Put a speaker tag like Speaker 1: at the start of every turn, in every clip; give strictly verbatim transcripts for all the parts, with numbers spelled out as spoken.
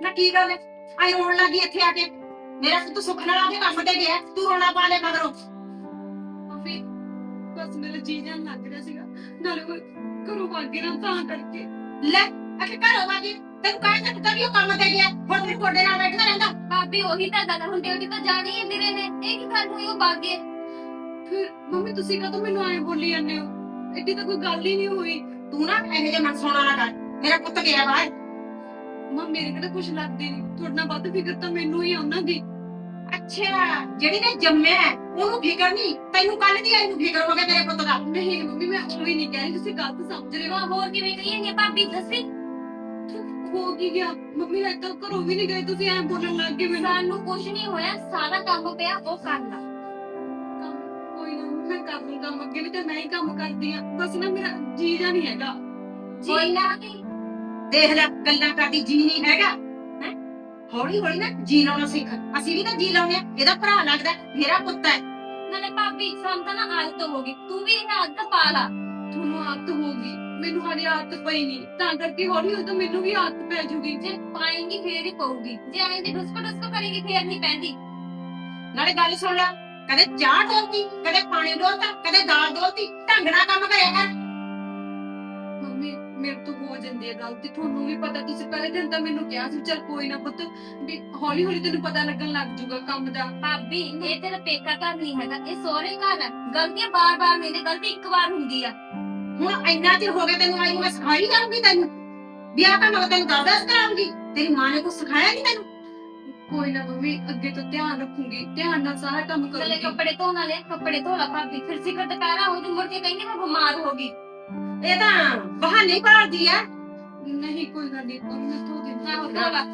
Speaker 1: ਨਾ ਕੀ ਗੱਲ ਹੈ ਆਈ ਰੋਣ ਲੱਗੀ ਇੱਥੇ ਆ ਕੇ ਮੇਰਾ ਪੁੱਤ ਸੁੱਖ ਨਾਲ ਆके ਕੰਮ ਤੇ ਗਿਆ ਤੂੰ ਰੋਣਾ ਪਾ ਲੈ ਮਗਰੋਂ
Speaker 2: ਮੰਮੀ ਬਸ ਮੇਰਾ ਜੀ ਜਾਨ ਲੱਗ ਰਿਹਾ ਸੀਗਾ ਨਾਲੇ ਉਹ ਘਰੋਂ ਭਾਗੇ ਨਾ ਤਾਂ ਕਰਕੇ।
Speaker 1: ਲੈ ਅਖੇ ਘਰੋਂ ਵਾਗੀ ਤੈਨੂੰ ਕਾਹ ਤੱਕ ਕਰਿਓ ਕੰਮ ਤੇ ਗਿਆ ਹੁਣ ਤੇਰੇ ਕੋਡੇ ਨਾਲ ਬੈਠਾ ਰਹਿੰਦਾ
Speaker 3: ਭਾਬੀ ਉਹੀ ਤਾਂ ਗੱਲ ਹੁਣ ਡਿਊਟੀ ਤਾਂ ਜਾਣੀ ਹੀ ਵੀਰੇ ਨੇ ਇਹ ਕੀ ਗੱਲ ਹੋਈ ਉਹ ਭਾਗੇ।
Speaker 2: ਫਿਰ ਮੰਮੀ ਤੁਸੀਂ ਕਦੋਂ ਮੈਨੂੰ ਐਂ ਬੋਲੀ ਜਾਂਦੇ ਹੋ ਐਡੀ ਤਾਂ ਕੋਈ ਗੱਲ ਹੀ ਨਹੀਂ ਹੋਈ।
Speaker 1: ਤੂੰ ਨਾ ਇਹੋ ਜਿਹੇ ਮਨ ਸੋਣਾ ਨਾ ਕਰ ਮੇਰਾ ਪੁੱਤ ਗਿਆ ਬਾਹਰ
Speaker 2: ਮਾਂ ਮੇਰੇ ਕਿਹੜਾ ਕੁਝ ਲੱਗਦੀ ਨਹੀਂ ਤੁਹਾਡੇ ਨਾਲ ਵੱਧ ਫਿਕਰ ਤਾਂ ਮੈਨੂੰ ਹੀ ਆ ਉਹਨਾਂ ਦੀ।
Speaker 1: ਅੱਛਾ ਜਿਹੜੀ ਨੇ ਜੰਮਿਆ ਹੈ, ਉਹਨੂੰ ਫਿਕਰ ਨਹੀਂ ਤੈਨੂੰ ਕੱਲ ਦੀ ਆਈ ਨੂੰ ਫਿਕਰ ਹੋ ਗਿਆ ਤੇਰੇ ਪੁੱਤ ਦਾ
Speaker 2: ਨਹੀਂ ਮੰਮੀ ਮੈਂ ਉਹ ਹੀ ਨਹੀਂ ਕਹਿ ਰਹੀ ਤੁਸੀਂ ਗਲਤ ਸਮਝ ਰਹੇ ਹੋ।
Speaker 3: ਵਾਹ ਹੋਰ ਕਿਵੇਂ ਕਹੀਏ ਭਾਬੀ ਦੱਸੀ
Speaker 2: ਹੋ ਕੀ ਗਿਆ ਮੰਮੀ ਹਜੇ ਤੱਕ ਘਰੋਂ ਵੀ ਨਹੀਂ ਗਏ ਤੁਸੀਂ ਐਂ ਬੋਲਣ ਲੱਗ ਗਏ ਮੈਨੂੰ।
Speaker 3: ਸਾਨੂੰ ਕੁਝ ਨਹੀਂ ਹੋਇਆ ਸਾਰਾ ਕੰਮ ਪਿਆ ਉਹ ਕਰਨਾ।
Speaker 2: ਕੰਮ ਕੋਈ ਨਾ ਮੈਂ ਕਰ ਲੂੰ ਕੰਮ ਅੱਗੇ ਵੀ ਤੇ ਮੈਂ ਹੀ ਕੰਮ ਕਰਦੀ ਆ ਬਸ ਨਾ ਮੇਰਾ ਜੀ ਜਾ ਨਹੀਂ ਹੈਗਾ।
Speaker 3: ਕੋਈ ਨਾ ਨਹੀਂ
Speaker 1: ਦੇਖ ਲੈ ਗੱਲਾਂ ਕਰਦੀ ਜੀ ਨਹੀਂ ਹੈਗਾ ਹੈ ਹੌਲੀ ਹੌਲੀ ਨਾ ਜੀ ਲਾਉਣਾ ਸਿੱਖ ਅਸੀਂ ਵੀ ਤਾਂ ਜੀ ਲਾਉਂਦੇ ਆ ਇਹਦਾ ਭਰਾ ਲੱਗਦਾ ਮੇਰਾ ਪੁੱਤ ਹੈ
Speaker 3: ਨਾਲੇ ਭਾਬੀ ਸਾਨੂੰ ਤਾਂ ਨਾ ਆਦਤ ਹੋ ਗਈ ਤੂੰ ਵੀ ਇਹ ਆਦਤ ਪਾ ਲਾ।
Speaker 2: ਤੁਹਾਨੂੰ ਆਦਤ ਹੋਊਗੀ ਮੈਨੂੰ ਹਾਲੇ ਆਦਤ ਪਈ ਨਹੀਂ ਤਾਂ ਕਰਕੇ ਹੌਲੀ ਹੌਲੀ ਤਾਂ ਮੈਨੂੰ ਵੀ ਆਦਤ ਪੈ ਜੂਗੀ।
Speaker 3: ਜੇ ਪਾਏਂਗੀ ਫੇਰ ਹੀ ਪਊਗੀ ਜੇ ਐਂ ਦੀ ਡੁਸਕੋ ਡੁਸਕੋ ਕਰੇਗੀ ਫੇਰ ਨਹੀਂ ਪੈਂਦੀ।
Speaker 1: ਨਾਲੇ ਗੱਲ ਸੁਣ ਲੈ ਕਦੇ ਚਾਹ ਡੋਲਤੀ ਕਦੇ ਪਾਣੀ ਡੋਲਤਾ ਕਦੇ ਦਾਲ ਡੋਲਤੀ ਢੰਗ ਨਾਲ ਕੰਮ ਕਰਿਆ ਕਰ
Speaker 2: ਮੰਮੀ ਮੇਰੇ ਤੋਂ ਹੋ ਜਾਂਦੀ ਹੈ ਗਲਤੀ ਤੁਹਾਨੂੰ ਵੀ ਪਤਾ ਤੁਸੀਂ ਪਹਿਲੇ ਦਿਨ ਤਾਂ ਮੈਨੂੰ ਕਿਹਾ ਸੀ ਚੱਲ ਕੋਈ ਨਾ ਪੁੱਤ ਵੀ ਹੌਲੀ ਹੌਲੀ ਤੈਨੂੰ ਪਤਾ ਲੱਗਣ ਲੱਗ ਜੂਗਾ ਕੰਮ ਦਾ।
Speaker 3: ਭਾਬੀ ਇਹ ਤੇਰਾ ਪੇਕਾ ਘਰ ਨਹੀਂ ਹੈਗਾ ਇਹ ਸਹੁਰੇ ਘਰ ਹੈ ਗਲਤੀਆਂ ਬਾਰ-ਬਾਰ ਨਹੀਂ ਨੇ ਗਲਤੀ ਇੱਕ ਵਾਰ ਹੁੰਦੀ ਆ।
Speaker 1: ਹੁਣ ਇੰਨਾ ਚਿਰ ਹੋ ਗਿਆ ਤੈਨੂੰ ਆਈ ਨੂੰ ਮੈਂ ਸਿਖਾਈ ਜਾਊਂਗੀ ਤੈਨੂੰ ਵਿਆਹ ਤਾਂ ਮੈਂ ਤੈਨੂੰ ਦੱਸ ਦੱਸ ਕਰਾਂਗੀ ਤੇਰੀ ਮਾਂ ਨੇ ਕੁਝ ਸਿਖਾਇਆ ਨਹੀਂ ਤੈਨੂੰ
Speaker 2: ਕੋਈ ਨਾ ਮੰਮੀ ਅੱਗੇ ਤੋਂ ਧਿਆਨ ਰੱਖੂੰਗੀ ਧਿਆਨ ਨਾਲ ਸਾਰਾ ਕੰਮ
Speaker 3: ਨਾਲੇ
Speaker 2: ਕਰੂੰਗੀ।
Speaker 3: ਕੱਪੜੇ ਧੋਣ ਵਾਲੇ ਕੱਪੜੇ ਧੋ ਲਾ ਭਾਬੀ ਫਿਰ ਸਿਖਰ ਦੁਪਹਿਰਾ ਹੋ ਜੂ ਮੁੜ ਕੇ ਕਹਿੰਦੀ ਮੈਂ ਬਿਮਾਰ ਹੋ ਗਈ।
Speaker 1: ਇਹ ਤਾਂ ਬਹਾਨੇ ਭਾਲਦੀ ਆ
Speaker 2: ਨਹੀਂ ਕੋਈ ਗੱਲ ਨਹੀਂ ਉਹ ਮੈਂ ਧੋ ਦਿੰਦੀ
Speaker 3: ਆਹੋ
Speaker 2: ਹਾਂ।
Speaker 3: ਧੋ ਲਾ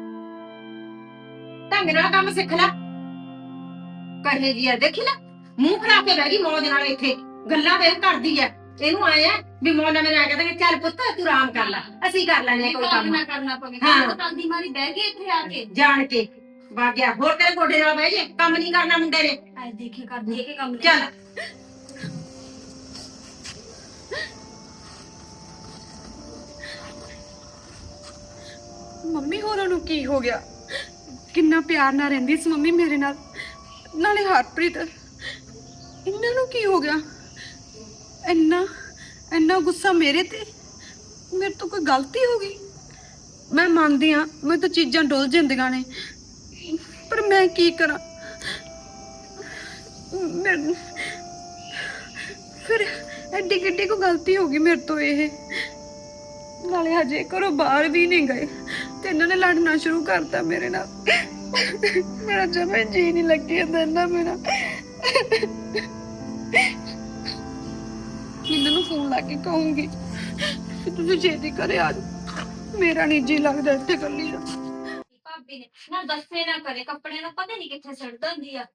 Speaker 1: ਢੰਗ ਨਾਲ ਕੰਮ ਸਿੱਖ ਲੈ ਕਹੇ ਜੀ ਆ ਦੇਖੀ ਲੈ ਮੂੰਹ ਫੜਾ ਕੇ ਬਹਿ ਗਈ ਮੌਜ ਨਾਲ ਇੱਥੇ ਗੱਲਾਂ ਵੇਖ ਕਰਦੀ ਆ ਇਹਨੂੰ ਆਏ ਆ ਵੀ ਮੌਜ ਨਾਲ ਮੇਰੇ ਆ ਕਹਿੰਦੇ ਚੱਲ ਪੁੱਤ ਤੂੰ ਆਰਾਮ ਕਰ ਲੈ ਅਸੀਂ ਕਰ ਲੈਣੇ ਕੋਈ
Speaker 3: ਕੰਮ
Speaker 1: ਕੰਮ
Speaker 3: ਨਾ ਕਰਨਾ ਪਵੇ
Speaker 1: ਹਾਂ।
Speaker 3: ਕੰਮ ਤਾਂ ਦੀ ਮਾਰੀ ਬਹਿ ਗਈ ਇੱਥੇ ਆ ਕੇ
Speaker 1: ਜਾਣ ਕੇ ਵਗ ਗਿਆ ਹੋਰ ਤੇਰੇ ਗੋਡੇ ਨਾਲ ਬਹਿ ਜੇ ਕੰਮ ਨਹੀਂ ਕਰਨਾ ਮੁੰਡੇ ਨੇ
Speaker 3: ਐ ਦੇਖੇ ਕਰਦੀ ਹੈ ਕਿ ਕੰਮ ਨਹੀਂ।
Speaker 1: ਚੱਲ
Speaker 2: ਮੰਮੀ ਹੋਰਾਂ ਨੂੰ ਕੀ ਹੋ ਗਿਆ ਕਿੰਨਾ ਪਿਆਰ ਨਾਲ ਰਹਿੰਦੀ ਸੀ ਮੰਮੀ ਮੇਰੇ ਨਾਲ ਨਾਲੇ ਹਰਪ੍ਰੀਤ ਇਹਨਾਂ ਨੂੰ ਕੀ ਹੋ ਗਿਆ ਇੰਨਾ ਇੰਨਾ ਗੁੱਸਾ ਮੇਰੇ ਤੇ ਮੇਰੇ ਤੋਂ ਕੋਈ ਗਲਤੀ ਹੋ ਗਈ। ਮੈਂ ਮੰਨਦੀ ਆ ਮੈਂ ਤਾਂ ਚੀਜ਼ਾਂ ਡੁੱਲ ਜਾਂਦੀਆਂ ਨੇ ਪਰ ਮੈਂ ਕੀ ਕਰਾਂ ਮੈਂ- ਫਿਰ ਐਡੀ ਕਿੱਡੀ ਕੋ ਗਲਤੀ ਹੋ ਗਈ ਮੇਰੇ ਤੋਂ ਇਹ ਨਾਲੇ ਹਜੇ ਘਰੋਂ ਬਾਹਰ ਵੀ ਨਹੀਂ ਗਏ ਤੇ ਇਹਨਾਂ ਨੇ ਲੜਨਾ ਸ਼ੁਰੂ ਕਰਤਾ ਮੇਰੇ ਨਾਲ। ਮੇਰਾ ਜਮੇ ਜੀ ਨਹੀਂ ਲੱਗੀ ਇਹਨਾਂ ਮੇਰਾ ਇਹਨਾਂ ਨੂੰ ਫੋਨ ਲਾ ਕੇ ਕਹੂੰਗੀ ਕਿ ਤੁਸੀਂ ਛੇਤੀ ਘਰੇ ਆ ਜਾਓ ਮੇਰਾ ਨਹੀਂ ਜੀ ਲੱਗਦਾ ਇੱਥੇ ਇਕੱਲੀ ਦਾ।
Speaker 3: ਭਾਬੀ ਨੇ ਨਾ ਦੱਸੇ ਨਾ ਕਰੇ ਕੱਪੜੇ ਨੂੰ ਪਤਾ ਨਹੀਂ ਕਿੱਥੇ ਛੱਡ ਦਿੰਦੀ ਆ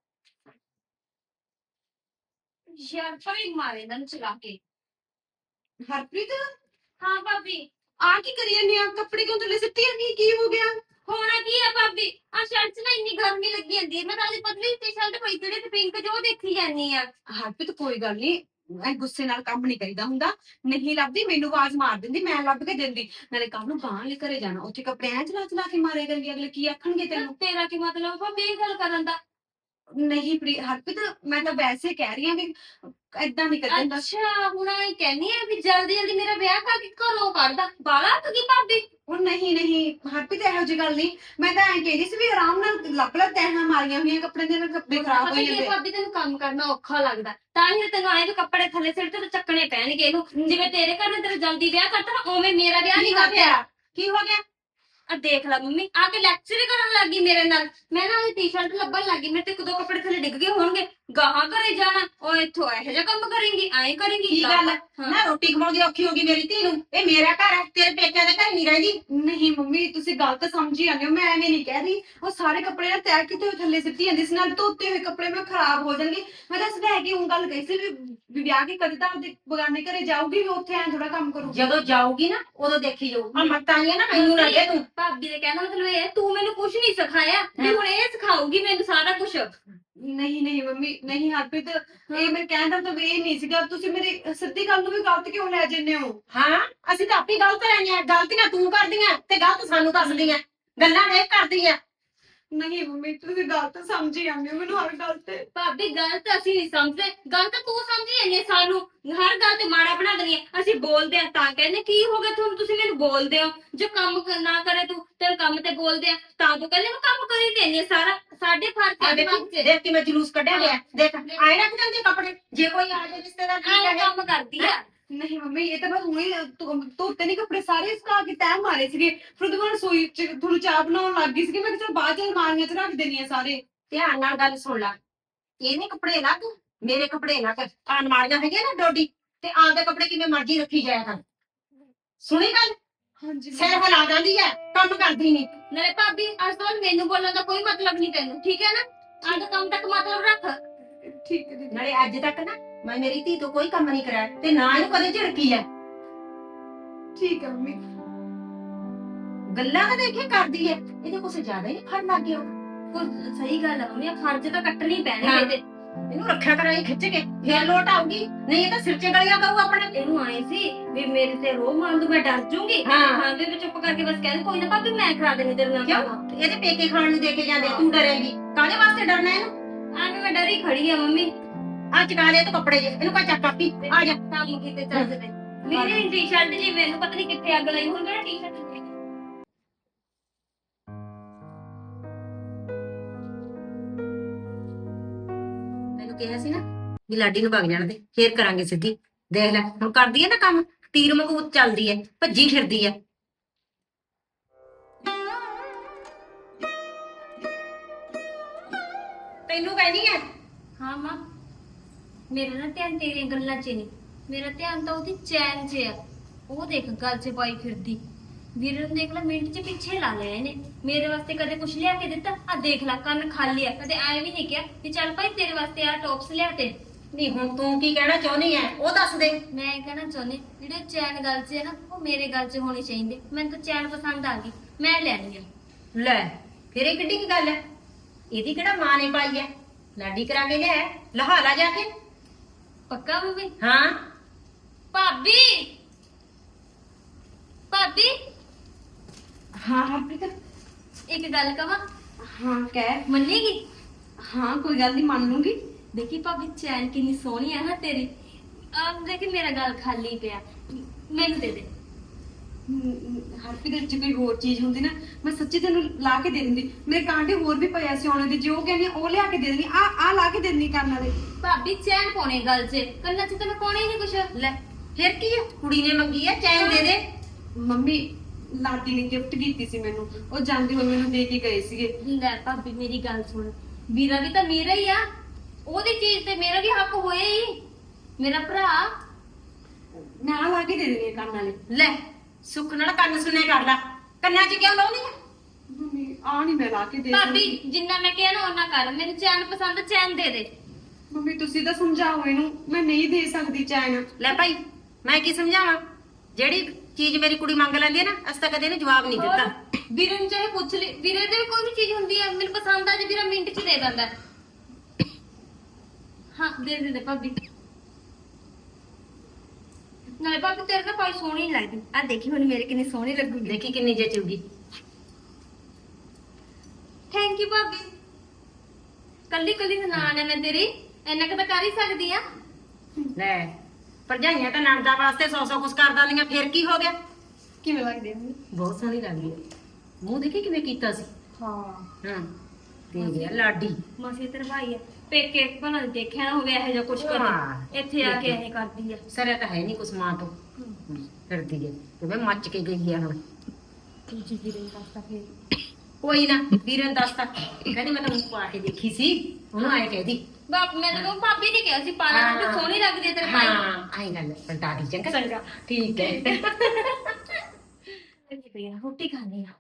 Speaker 3: ਯਾਰ ਫਰੀ ਮਾਰੇ ਇਹਨਾਂ ਨੂੰ ਚਲਾ ਕੇ।
Speaker 2: ਹਰਪ੍ਰੀਤ
Speaker 3: ਹਾਂ ਭਾਬੀ
Speaker 2: ਆ ਕੀ ਕਰੀ ਜਾਂਦੀ ਆ ਕੱਪੜੇ ਕਿਉਂ ਥੱਲੇ ਸਿੱਟੀ ਜਾਂਦੀ ਕੀ ਹੋ ਗਿਆ?
Speaker 3: ਹੋਣਾ ਕੀ ਆ ਭਾਬੀ ਆ ਸ਼ਰਟ 'ਚ ਨਾ ਇੰਨੀ ਗਰਮੀ ਲੱਗੀ ਜਾਂਦੀ ਹੈ ਮੈਂ ਤਾਂ ਅੱਜ ਪਤਲੀ ਟੀ-ਸ਼ਰਟ ਪਾਈ ਜਿਹੜੇ ਤੇ ਪਿੰਕ ਜੋ ਦੇਖੀ ਜਾਂਦੀ ਆ।
Speaker 2: ਹਰਪ੍ਰੀਤ ਕੋਈ ਗੱਲ ਨਹੀਂ ਐ ਗੁੱਸੇ ਨਾਲ ਕੰਮ ਨਹੀਂ ਕਰੀਦਾ ਹੁੰਦਾ ਨਹੀਂ ਲੱਭਦੀ ਮੈਨੂੰ ਆਵਾਜ਼ ਮਾਰ ਦਿੰਦੀ ਮੈਂ ਲੱਭ ਕੇ ਦਿੰਦੀ ਨਾਲੇ ਕੰਮ ਨੂੰ ਬਾਹਰ ਲੈ ਘਰੇ ਜਾਣਾ ਉੱਥੇ ਕੱਪੜੇ ਐ ਚਲਾ ਚਲਾ ਕੇ ਮਾਰੇ ਕਰਨਗੇ ਅਗਲੇ ਕੀ ਆਖਣਗੇ ਤੈਨੂੰ।
Speaker 3: ਤੇਰਾ ਕੀ ਮਤਲਬ ਭਾਬੀ ਇਹ ਗੱਲ ਕਰਨ ਦਾ?
Speaker 2: ਨਹੀਂ ਪ੍ਰੀ ਹਰਪ੍ਰੀਤ ਮੈਂ ਤਾਂ ਵੈਸੇ ਕਹਿ ਰਹੀ ਆ ਵੀ ਏਦਾਂ ਨਹੀਂ ਕਰਦਾ।
Speaker 3: ਅੱਛਾ ਹੁਣ ਇਹ ਕਹਿੰਨੀ ਆ ਵੀ ਜਲਦੀ ਜਲਦੀ ਮੇਰਾ ਵਿਆਹ ਕਰਕੇ ਘਰੋਂ ਕੱਢਦਾ ਬਾਲਾ ਤੂੰ ਕੀ ਭਾਬੀ।
Speaker 2: ਉਹ ਨਹੀਂ ਨਹੀਂ ਹਰਪ੍ਰੀਤ ਇਹੋ ਜਿਹੀ ਗੱਲ ਨਹੀਂ ਮੈਂ ਤਾਂ ਐਂ ਕਹਿੰਦੀ ਸੀ ਵੀ ਆਰਾਮ ਨਾਲ ਲੱਭ ਲੱਭ ਤੈਹਾਂ ਮਾਰੀਆਂ ਹੋਈਆਂ ਕੱਪੜੇ ਦੇ ਨਾਲ ਕੱਪੜੇ ਖਰਾਬ ਹੋ
Speaker 3: ਪਤਾ ਕੀ
Speaker 2: ਜਾਂਦੇ।
Speaker 3: ਭਾਬੀ ਤੈਨੂੰ ਕੰਮ ਕਰਨਾ ਔਖਾ ਲੱਗਦਾ ਤਾਂ ਹੀ ਤੈਨੂੰ ਆਏ ਵੀ ਕੱਪੜੇ ਥੱਲੇ ਸਿਰ ਤੇ ਚੱਕਣੇ ਪੈਣਗੇ ਇਹਨੂੰ ਜਿਵੇਂ ਤੇਰੇ ਘਰ ਨੇ ਤੇਰਾ ਜਲਦੀ ਵਿਆਹ ਕਰਤਾ ਨਾ ਉਵੇਂ ਮੇਰਾ ਵਿਆਹ
Speaker 1: ਕੀ
Speaker 3: ਨਹੀਂ
Speaker 1: ਹੋ
Speaker 3: ਕਰਦਾ।
Speaker 1: ਗਿਆ ਕੀ ਹੋ ਗਿਆ
Speaker 3: ਆ ਦੇਖ ਲੈ ਮੰਮੀ ਆ ਕੇ ਲੈਕਚਰ ਕਰਨ ਲੱਗੀ ਮੇਰੇ ਨਾਲ ਮੈਂ ਨਾ ਇਹ ਟੀ-ਸ਼ਰਟ ਲੱਭਣ ਲੱਗੀ ਮੇਰੇ ਤੇ ਇੱਕ ਦੋ ਕੱਪੜੇ ਥੱਲੇ ਡਿੱਗ ਗਏ ਹੋਣਗੇ ਗਾਹਾਂ ਘਰੇ ਜਾਣਾ ਉਹ ਇੱਥੋਂ ਇਹੋ ਜਿਹਾ ਕੰਮ ਕਰੇਂਗੀ ਐਂ ਕਰੇਂਗੀ।
Speaker 1: ਕੀ ਗੱਲ ਹੈ?
Speaker 3: ਹਾਂ।
Speaker 1: ਨਾ ਰੋਟੀ ਕਮਾਉਂਦੀ ਔਖੀ ਹੋ ਗਈ ਮੇਰੀ ਧੀ ਨੂੰ ਇਹ ਮੇਰਾ ਘਰ ਹੈ ਤੇਰੇ ਪੇਕਿਆਂ ਦੇ ਘਰ ਨਹੀਂ ਰਹਿੰਦੀ।
Speaker 2: ਨਹੀਂ ਮੰਮੀ ਤੁਸੀਂ ਗਲਤ ਸਮਝੀ ਜਾਂਦੇ ਹੋ ਮੈਂ ਐਵੇਂ ਨਹੀਂ ਕਹਿ ਰਹੀ ਉਹ ਸਾਰੇ ਕੱਪੜੇ ਨਾ ਤੈਅ ਕੀਤੇ ਹੋਏ ਥੱਲੇ ਸਿੱਟੀ ਜਾਂਦੀ ਸੀ ਨਾਲ ਧੋਤੇ ਹੋਏ ਕੱਪੜੇ ਮੈਂ ਖਰਾਬ ਹੋ ਜਾਣਗੇ ਮੈਂ ਤਾਂ ਸਵੇਰ ਕੇ ਉਹ ਗੱਲ ਕਹੀ ਸੀ ਵੀ ਵੀ ਵਿਆਹ ਕੇ ਕਦੇ ਤਾਂ ਆਪਦੇ ਬਗਾਨੇ ਘਰੇ ਜਾਊਗੀ ਵੀ ਉੱਥੇ ਐਂ ਥੋੜਾ ਕੰਮ ਕਰੂਗੀ।
Speaker 1: ਜਦੋਂ ਜਾਊਗੀ ਨਾ ਉਦੋਂ ਦੇਖੀ ਜਾਊ ਆ ਮੱਤਾਂ ਆਈਆਂ ਨਾ ਮੈਨੂੰ ਨਾ ਦੇ ਤੂੰ
Speaker 3: ਭਾਬੀ ਦੇ ਕਹਿੰਦਾ ਮਤਲਬ ਇਹ ਹੈ, ਤੂੰ ਮੈਨੂੰ ਕੁਝ ਨਹੀਂ ਸਿਖਾਇਆ ਵੀ ਹੁਣ ਇਹ ਸਿਖਾਊਗੀ ਮੈਨੂੰ ਸਾਰਾ ਕੁਝ।
Speaker 2: ਨਹੀਂ ਨਹੀਂ ਮੰਮੀ ਨਹੀਂ ਹਰਪ੍ਰੀਤ ਇਹ ਮੈਂ ਕਹਿਣ ਦਾ ਮਤਲਬ ਇਹ ਨਹੀਂ ਸੀਗਾ ਤੁਸੀਂ ਮੇਰੀ ਸਿੱਧੀ ਗੱਲ ਨੂੰ ਵੀ ਗਲਤ ਕਿਉਂ ਲੈ ਜੰਨੇ ਹੋ।
Speaker 1: ਹਾਂ ਅਸੀਂ ਤਾਂ ਆਪੇ ਗਲਤ ਰਹਿੰਦੇ ਆ ਗਲਤੀਆਂ ਤੂੰ ਕਰਦੀਆਂ ਤੇ ਗਲਤ ਸਾਨੂੰ ਦੱਸਦੀਆਂ ਗੱਲਾਂ ਦੇਖ ਕਰਦੀ ਆ।
Speaker 2: ਨਹੀਂ ਮੰਮੀ ਤੁਸੀਂ ਗਲਤ ਸਮਝੀ ਜਾਂਦੇ ਹੋ ਮੈਨੂੰ ਹਰ ਗੱਲ ਤੇ।
Speaker 3: ਭਾਬੀ ਗੱਲ ਤਾਂ ਅਸੀਂ ਨਹੀਂ ਸਮਝਦੇ, ਗੱਲ ਤਾਂ ਤੂੰ ਸਮਝੀ ਜਾਂਦੀ ਹੈ ਸਾਨੂੰ। ਹਰ ਗੱਲ ਤੇ ਮਾੜਾ ਬਣਾ ਦਿੰਦੀ ਹੈ। ਅਸੀਂ ਬੋਲਦੇ ਆ ਤਾਂ ਕਹਿੰਦੇ ਕੀ ਹੋ ਗਿਆ ਤੁਹਾਨੂੰ, ਤੁਸੀਂ ਮੈਨੂੰ ਬੋਲਦੇ ਹੋ। ਜੇ ਕੰਮ ਕ- ਨਾ ਕਰੇ ਤੂੰ ਤੇਰੇ ਕੰਮ ਤੇ ਬੋਲਦੇ ਆ ਤਾਂ ਤੂੰ ਕਹਿੰਦੇ ਮੈਂ ਕੰਮ ਕਰੀ ਦਿੰਦੀ ਆ ਸਾਰਾ। ਸਾਡੇ ਫਰਕ
Speaker 1: ਆ
Speaker 3: ਹੈ
Speaker 1: ਦੇਖ
Speaker 3: ਦਿਮਾਗ 'ਚ।
Speaker 1: ਦੇਖ ਕਿਵੇਂ ਜਲੂਸ ਕੱਢਿਆ ਹੋਇਆ। ਦੇਖ ਆਏ ਰੱਖ ਜਾਂਦੇ ਕੱਪੜੇ, ਜੇ ਕੋਈ ਆ ਜਾਏ ਰਿਸ਼ਤੇਦਾਰ ਕੀ
Speaker 3: ਆਹ
Speaker 1: ਕਹੇ।
Speaker 3: ਕੰਮ ਕਰਦੀ ਆ।
Speaker 2: ਨਹੀਂ ਮੰਮੀ ਇਹ ਤਾਂ ਮੈਂ ਹੁਣੇ ਧੋ- ਧੋਤੇ ਨਹੀਂ ਕੱਪੜੇ ਸਾਰੇ ਸੁਕਾ ਕੇ ਤੈਅ ਮਾਰੇ ਸੀਗੇ। ਫਿਰ ਉਹਦੇ ਬਾਅਦ ਰਸੋਈ ਚ ਤੁਹਾਨੂੰ ਚਾਹ ਬਣਾਉਣ ਲੱਗ ਗਈ ਸੀਗੀ। ਮੈਂ ਕਿਹਾ ਚਲ ਬਾਅਦ ਚ ਅਲਮਾਰੀਆਂ ਚ ਰੱਖ ਦੇਣੀ ਆ ਸਾਰੇ।
Speaker 1: ਧਿਆਨ ਨਾਲ ਗੱਲ ਸੁਣ ਲੈ। ਇਹਨੇ ਕੱਪੜੇ ਲਾ ਤੂੰ, ਮੇਰੇ ਕੱਪੜੇ ਨਾ ਕਰ। ਆਹ ਅਲਮਾਰੀਆਂ ਹੈਗੀਆਂ ਨਾ ਡੋਡੀ, ਤੇ ਆਪਦੇ ਕੱਪੜੇ ਕਿਵੇਂ ਮਰਜ਼ੀ ਰੱਖੀ ਜਾਇਆ ਕਰ। ਸੁਣੀ ਗੱਲ?
Speaker 2: ਹਾਂਜੀ
Speaker 1: ਸਿਰ ਹਿਲਾ ਜਾਂਦੀ ਹੈ, ਕੰਮ ਕਰਦੀ ਨਹੀਂ।
Speaker 3: ਨਾਲੇ ਭਾਬੀ ਅੱਜ ਤੋਂ ਬਾਅਦ ਮੈਨੂੰ ਬੋਲਣ ਦਾ ਕੋਈ ਮਤਲਬ ਨਹੀਂ ਤੈਨੂੰ, ਠੀਕ ਹੈ ਨਾ? ਆਹ ਕੰਮ ਤੱਕ ਮਤਲਬ ਰੱਖ।
Speaker 2: ਠੀਕ ਹੈ ਦੀਦੀ।
Speaker 1: ਨਾਲੇ ਅੱਜ ਤੱਕ ਨਾ ਮੈਂ ਮੇਰੀ ਧੀ ਤੋਂ ਕੋਈ ਕੰਮ ਨਹੀਂ ਕਰਾਇਆ, ਤੇ ਨਾ ਇਹਨੂੰ ਕਦੇ ਝਿੜਕੀ ਹੈ।
Speaker 2: ਠੀਕ ਹੈ ਮੰਮੀ।
Speaker 1: ਗੱਲਾਂ ਤਾਂ ਦੇਖੇ ਕਰਦੀ ਹੈ, ਇਹਦੇ ਕੁਛ ਜ਼ਿਆਦਾ ਹੀ ਫੜ ਲੱਗ ਗਿਆ।
Speaker 3: ਕੁਝ ਸਹੀ ਗੱਲ ਆ ਮੰਮੀ, ਫਰਜ਼ ਤਾਂ ਕੱਟਣੀ
Speaker 1: ਹਾਂ।
Speaker 3: ਪੈਣਗੇ ਇਹਦੇ।
Speaker 1: ਇਹਨੂੰ ਰੱਖਿਆ ਕਰਾਂਗੇ ਖਿੱਚ ਕੇ, ਫੇਰ ਲੋਟ ਆਊਗੀ। ਨਹੀਂ ਇਹ ਤਾਂ ਸਿਰ 'ਚ ਗਲੀਆਂ ਕਰੂ ਆਪਣੇ।
Speaker 3: ਇਹਨੂੰ ਆਏ ਸੀ ਵੀ ਮੇਰੇ ਤੇ ਰੋਹ ਮਾਰ ਦੂ, ਮੈਂ ਡਰ ਜੂੰਗੀ।
Speaker 1: ਹਾਂ।
Speaker 3: ਹਾਂ ਵੀ ਮੈਂ ਚੁੱਪ ਕਰਕੇ ਬਸ ਕਹਿ ਦੂੰ ਕੋਈ ਨਾ ਭਾਬੀ ਮੈਂ ਕਰਾ ਦੇਣੀ ਤੇਰੇ ਨਾਲ
Speaker 1: ਕਿਉਂ?
Speaker 3: ਕੰਮ।
Speaker 1: ਇਹਦੇ ਪੇਕੇ ਖਾਣ ਨੂੰ ਦੇ ਕੇ ਜਾਂਦੇ, ਤੂੰ ਡਰੇਂਗੀ ਕਾਹਦੇ ਵਾਸਤੇ ਡਰਨਾ ਇਹਨੂੰ?
Speaker 3: ਐਵੇਂ ਮੈਂ ਡਰੀ ਖੜੀ ਆ ਮੰਮੀ।
Speaker 1: ਆ ਚਕਾ ਲਿਆ ਤੂੰ ਕੱਪੜੇ ਜੇ, ਇਹਨੂੰ ਕਾ ਚੱਕ ਕਾਪੀ ਆ ਜਾ।
Speaker 3: ਕੰਮ ਕੀਤੇ ਚੱਲਦੇ ਮੇਰੀ ਟੀ-ਸ਼ਰਟ ਜੀ ਮੈਨੂੰ ਪਤਾ ਨਹੀਂ ਕਿੱਥੇ ਅੱਗ ਲਾਈ ਹੁਣ ਮੇਰਾ ਟੀ-ਸ਼ਰਟ ਜੀ।
Speaker 1: ਮੈਨੂੰ ਕਿਹਾ ਸੀ ਨਾ ਵੀ ਲਾਡੀ ਨੂੰ ਵਗ ਜਾਣ ਦੇ, ਫੇਰ ਕਰਾਂਗੇ ਸਿੱਧੀ। ਦੇਖ ਲੈ ਹੁਣ ਕਰਦੀ ਹੈ ਨਾ ਕੰਮ, ਤੀਰ ਮਗੂਤ ਚੱਲਦੀ ਹੈ, ਭੱਜੀ ਫਿਰਦੀ ਹੈ। ਤੈਨੂੰ ਕਹਿੰਦੀ ਹੈ
Speaker 3: ਹਾਂ ਮਾਂ, ਮੇਰਾ ਨਾ ਧਿਆਨ ਤੇਰੀਆਂ ਗੱਲਾਂ 'ਚ ਨਹੀਂ, ਮੇਰਾ ਧਿਆਨ ਤਾਂ ਉਹਦੀ ਚੈਨ 'ਚ ਆ। ਉਹ ਦੇਖ ਗੱਲ 'ਚ ਪਾਈ ਫਿਰਦੀ। ਵੀਰੇ ਨੂੰ ਦੇਖ ਲੈ ਮਿੰਟ 'ਚ ਪਿੱਛੇ ਲਾ ਲਿਆ ਇਹਨੇ। ਮੇਰੇ ਵਾਸਤੇ ਕਦੇ ਕੁਛ ਲਿਆ ਕੇ ਦਿੱਤਾ? ਆ ਦੇਖ ਲੈ ਕੰਨ ਖਾਲੀ ਆ। ਕਦੇ ਐ ਵੀ ਨਹੀਂ ਕਿਹਾ ਕਿ ਚੱਲ ਭਾਈ ਤੇਰੇ ਵਾਸਤੇ ਆ ਟੌਪਸ ਲਿਆ ਤੇ।
Speaker 1: ਨਹੀਂ ਹੁਣ ਤੂੰ ਕੀ ਕਹਿਣਾ ਚਾਹੁੰਦੀ ਹੈ ਉਹ ਦੱਸ ਦੇ।
Speaker 3: ਮੈਂ ਇਹ ਕਹਿਣਾ ਚਾਹੁੰਦੀ ਜਿਹੜੇ ਚੈਨ ਗੱਲ 'ਚ ਹੈ ਨਾ ਉਹ ਮੇਰੇ ਗੱਲ 'ਚ ਹੋਣੀ ਚਾਹੀਦੀ। ਮੈਨੂੰ ਤਾਂ ਚੈਨ ਪਸੰਦ ਆ ਗਈ, ਮੈਂ ਲੈਣੀ ਆ।
Speaker 1: ਲੈ ਫਿਰ ਇਹ ਕਿੱਡੀ ਕੀ ਗੱਲ ਹੈ? ਇਹਦੀ ਕਿਹੜਾ ਮਾਂ ਨੇ ਪਾਈ ਹੈ? ਲਾਡੀ ਕਰਾ ਕੇ ਲਿਆ, ਲਹਾ ਲਾ ਜਾ ਕੇ।
Speaker 3: ਪੱਕਾ ਮੰਮੀ?
Speaker 1: ਹਾਂ
Speaker 3: ਭਾਬੀ ਭਾਬੀ
Speaker 2: ਹਾਂ ਹਾਂ ਪ੍ਰੀਤ।
Speaker 3: ਇੱਕ ਗੱਲ ਕਵਾਂ,
Speaker 2: ਹਾਂ ਕਹਿ।
Speaker 3: ਮੰਨੇਗੀ?
Speaker 2: ਹਾਂ ਕੋਈ ਗੱਲ ਨਹੀਂ ਮੰਨ ਲੂੰਗੀ।
Speaker 3: ਦੇਖੀ ਭਾਬੀ ਚੈਨ ਕਿੰਨੀ ਸੋਹਣੀ ਆ ਨਾ ਤੇਰੀ। ਆਹ ਦੇਖੀ ਮੇਰਾ ਗਲ ਖਾਲੀ ਪਿਆ, ਮੈਨੂੰ ਦੇ ਦੇ।
Speaker 2: ਹਰਪ੍ਰੀਤ ਜੇ ਕੋਈ ਹੋਰ ਚੀਜ਼ ਹੁੰਦੀ ਨਾ ਮੈਂ ਸੱਚੀ ਤੈਨੂੰ ਲਾ ਕੇ ਦੇ ਦਿੰਦੀ। ਮੇਰੇ ਕਾਂਟੇ ਹੋਰ ਵੀ ਪਏ ਸੀ ਆਉਣੇ ਦੇ, ਜੇ ਉਹ ਕਹਿੰਦੀ ਉਹ ਲਿਆ ਕੇ ਦੇ ਦਿੰਦੀ। ਆ ਆ ਲਾ ਕੇ ਦੇ ਦਿੰਦੀ ਕੰਨ ਵਾਲੇ।
Speaker 3: ਭਾਬੀ ਚੈਨ ਪਾਉਣੇ ਗਲ 'ਚ, ਕੰਨਾਂ 'ਚ ਤਾਂ ਮੈਂ ਪਾਉਣੇ ਹੀ ਨਹੀਂ ਕੁਛ।
Speaker 1: ਲੈ ਫਿਰ ਕੀ ਹੈ, ਕੁੜੀ ਨੇ ਮੰਗੀ ਹੈ ਚੈਨ ਦੇ ਦੇ।
Speaker 2: ਮੰਮੀ ਲਾਡੀ ਨੇ ਗਿਫਟ ਕੀਤੀ ਸੀ ਮੈਨੂੰ, ਉਹ ਜਾਂਦੇ ਹੋਏ ਮੈਨੂੰ ਦੇ ਕੇ ਗਏ ਸੀਗੇ।
Speaker 3: ਲੈ ਭਾਬੀ ਮੇਰੀ ਗੱਲ ਸੁਣ, ਵੀਰਾ ਵੀ ਤਾਂ ਮੇਰਾ ਹੀ ਆ। ਉਹਦੀ ਚੀਜ਼ ਤੇ ਮੇਰਾ ਵੀ ਹੱਕ ਹੋਇਆ ਹੀ। ਮੇਰਾ ਭਰਾ।
Speaker 2: ਮੈਂ ਆ ਲਾ ਕੇ ਦੇ ਦੇਣੀ ਕੰਨ ਵਾਲੇ।
Speaker 1: ਲੈ ਸੁੱਖ ਨਾਲ ਕੰਨ ਸੁਣੇ ਕਰ ਲੈ, ਕੰਨਾਂ 'ਚ ਕਿਉਂ ਲਾਉਣੀ ਹੈ?
Speaker 2: ਮੰਮੀ ਆ ਨਹੀਂ ਮੈਂ ਲਾ ਕੇ ਦੇ
Speaker 3: ਭਾਬੀ
Speaker 2: ਸਕਦੀ।
Speaker 3: ਜਿੰਨਾ ਮੈਂ ਕਿਹਾ ਨਾ ਉਹਨਾਂ ਕਰ। ਮੈਨੂੰ ਚੈਨ ਪਸੰਦ, ਚੈਨ ਦੇ ਦੇ।
Speaker 2: ਮੰਮੀ ਤੁਸੀਂ ਤਾਂ ਸਮਝਾਓ ਇਹਨੂੰ, ਮੈਂ ਨਹੀਂ ਦੇ ਸਕਦੀ ਚੈਨ।
Speaker 1: ਲੈ ਭਾਈ ਮੈਂ ਕੀ ਸਮਝਾਵਾਂ? ਜਿਹੜੀ ਚੀਜ਼ ਮੇਰੀ ਕੁੜੀ ਮੰਗ ਲੈਂਦੀ ਹੈ ਨਾ, ਅਸੀਂ ਤਾਂ ਕਦੇ ਇਹਨੂੰ ਜਵਾਬ ਨਹੀਂ ਦਿੱਤਾ।
Speaker 3: ਹੋਰ ਵੀਰੇ ਨੂੰ ਚਾਹੇ ਪੁੱਛ ਲਈ, ਵੀਰੇ ਦੇ ਵੀ ਕੋਈ ਵੀ ਚੀਜ਼ ਹੁੰਦੀ ਹੈ ਮੈਨੂੰ ਪਸੰਦ ਆ ਜੇ ਵੀਰਾ ਮਿੰਟ 'ਚ ਦੇ ਦਿੰਦਾ। ਹਾਂ ਦੇ ਦੇ ਦੇ ਭਾਬੀ। ਨਾਲੇ ਭਾਬੀ ਤੇਰੇ ਨਾਲ ਪਾਈ ਸੋਹਣੀ ਨੀ ਲੱਗਦੀ। ਆ ਦੇਖੀ ਹੁਣ ਮੇਰੇ ਕਿੰਨੀ ਸੋਹਣੀ ਲੱਗੂਗੀ।
Speaker 1: ਦੇਖੀ ਕਿੰਨੀ ਜਚੂਗੀ।
Speaker 3: ਥੈਂਕ ਯੂ ਭਾਬੀ। ਕੱਲੀ ਕੱਲੀ ਨਨਾਣ ਹੈ ਮੈਂ ਤੇਰੀ, ਇੰਨਾ ਕੁ ਤਾਂ ਕਰ ਹੀ ਸਕਦੀ ਆ।
Speaker 1: ਲੈ ਭਰਜਾਈਆਂ ਤਾਂ ਨਣਦਾ ਵਾਸਤੇ ਸੌ ਸੌ ਕੁਛ ਕਰ ਦਿੰਦੀਆਂ, ਫਿਰ ਕੀ ਹੋ ਗਿਆ?
Speaker 2: ਕਿਵੇਂ ਲੱਗਦੀ ਹੈ ਮੰਮੀ?
Speaker 1: ਬਹੁਤ ਸੋਹਣੀ ਲੱਗਦੀ ਹੈ। ਮੂੰਹ ਦੇਖੀ ਕਿਵੇਂ ਕੀਤਾ ਸੀ।
Speaker 2: ਹਾਂ
Speaker 1: ਹਾਂ ਤੇ ਗਿਆ ਲਾਡੀ।
Speaker 3: ਮਾਸੀ ਤੇਰਾ ਭਾਈ ਹੈ, ਪੇਕੇ ਭਲਾ ਨੀ ਦੇਖਿਆ ਨਾ ਹੋਵੇ ਇਹੋ ਜਿਹਾ ਕੁਛ
Speaker 1: ਹਾਂ।
Speaker 3: ਕਰੇ। ਇੱਥੇ ਆ ਕੇ ਇਹ ਕਰਦੀ ਆ।
Speaker 1: ਸਰਿਆ ਤਾਂ ਹੈ ਨਹੀਂ ਕੁਛ ਮਾਂ ਤੋਂ। ਫਿਰਦੀ ਹੈ ਕਿਵੇਂ ਮੱਚ ਕੇ ਗਈ ਹੈ ਹੁਣ।
Speaker 3: ਦੂਜੀ ਵੀਰੇ ਨੂੰ ਦੱਸਦਾ ਫੇਰ।
Speaker 1: ਕੋਈ ਨਾ ਵੀਰੇ ਨੂੰ ਦੱਸਤਾ, ਕਹਿੰਦੀ ਮੈਂ ਤਾਂ ਮੂੰਹ ਪਾ ਕੇ ਦੇਖੀ ਸੀ, ਉਹਨੂੰ ਆਏ ਕਹਿਦੀ।
Speaker 3: ਬਾਪ ਮੈਂ ਤਾਂ ਕਹੂੰ ਭਾਬੀ ਨੇ ਕਿਹਾ ਸੀ ਪਾਲਾ
Speaker 1: ਹਾਂ।
Speaker 3: ਤੇ ਸੋਹਣੀ ਲੱਗਦੀ ਹੈ ਤੇਰੇ ਭਾਈ ਨੂੰ।
Speaker 1: ਹਾਂ ਆਈ ਗੱਲ ਪਲਟਾ ਦੀ। ਚੰਗਾ ਚੰਗਾ ਠੀਕ ਹੈ।
Speaker 3: ਚੱਲੀ ਪਈ ਆ, ਰੋਟੀ ਖਾਣੀ ਆ।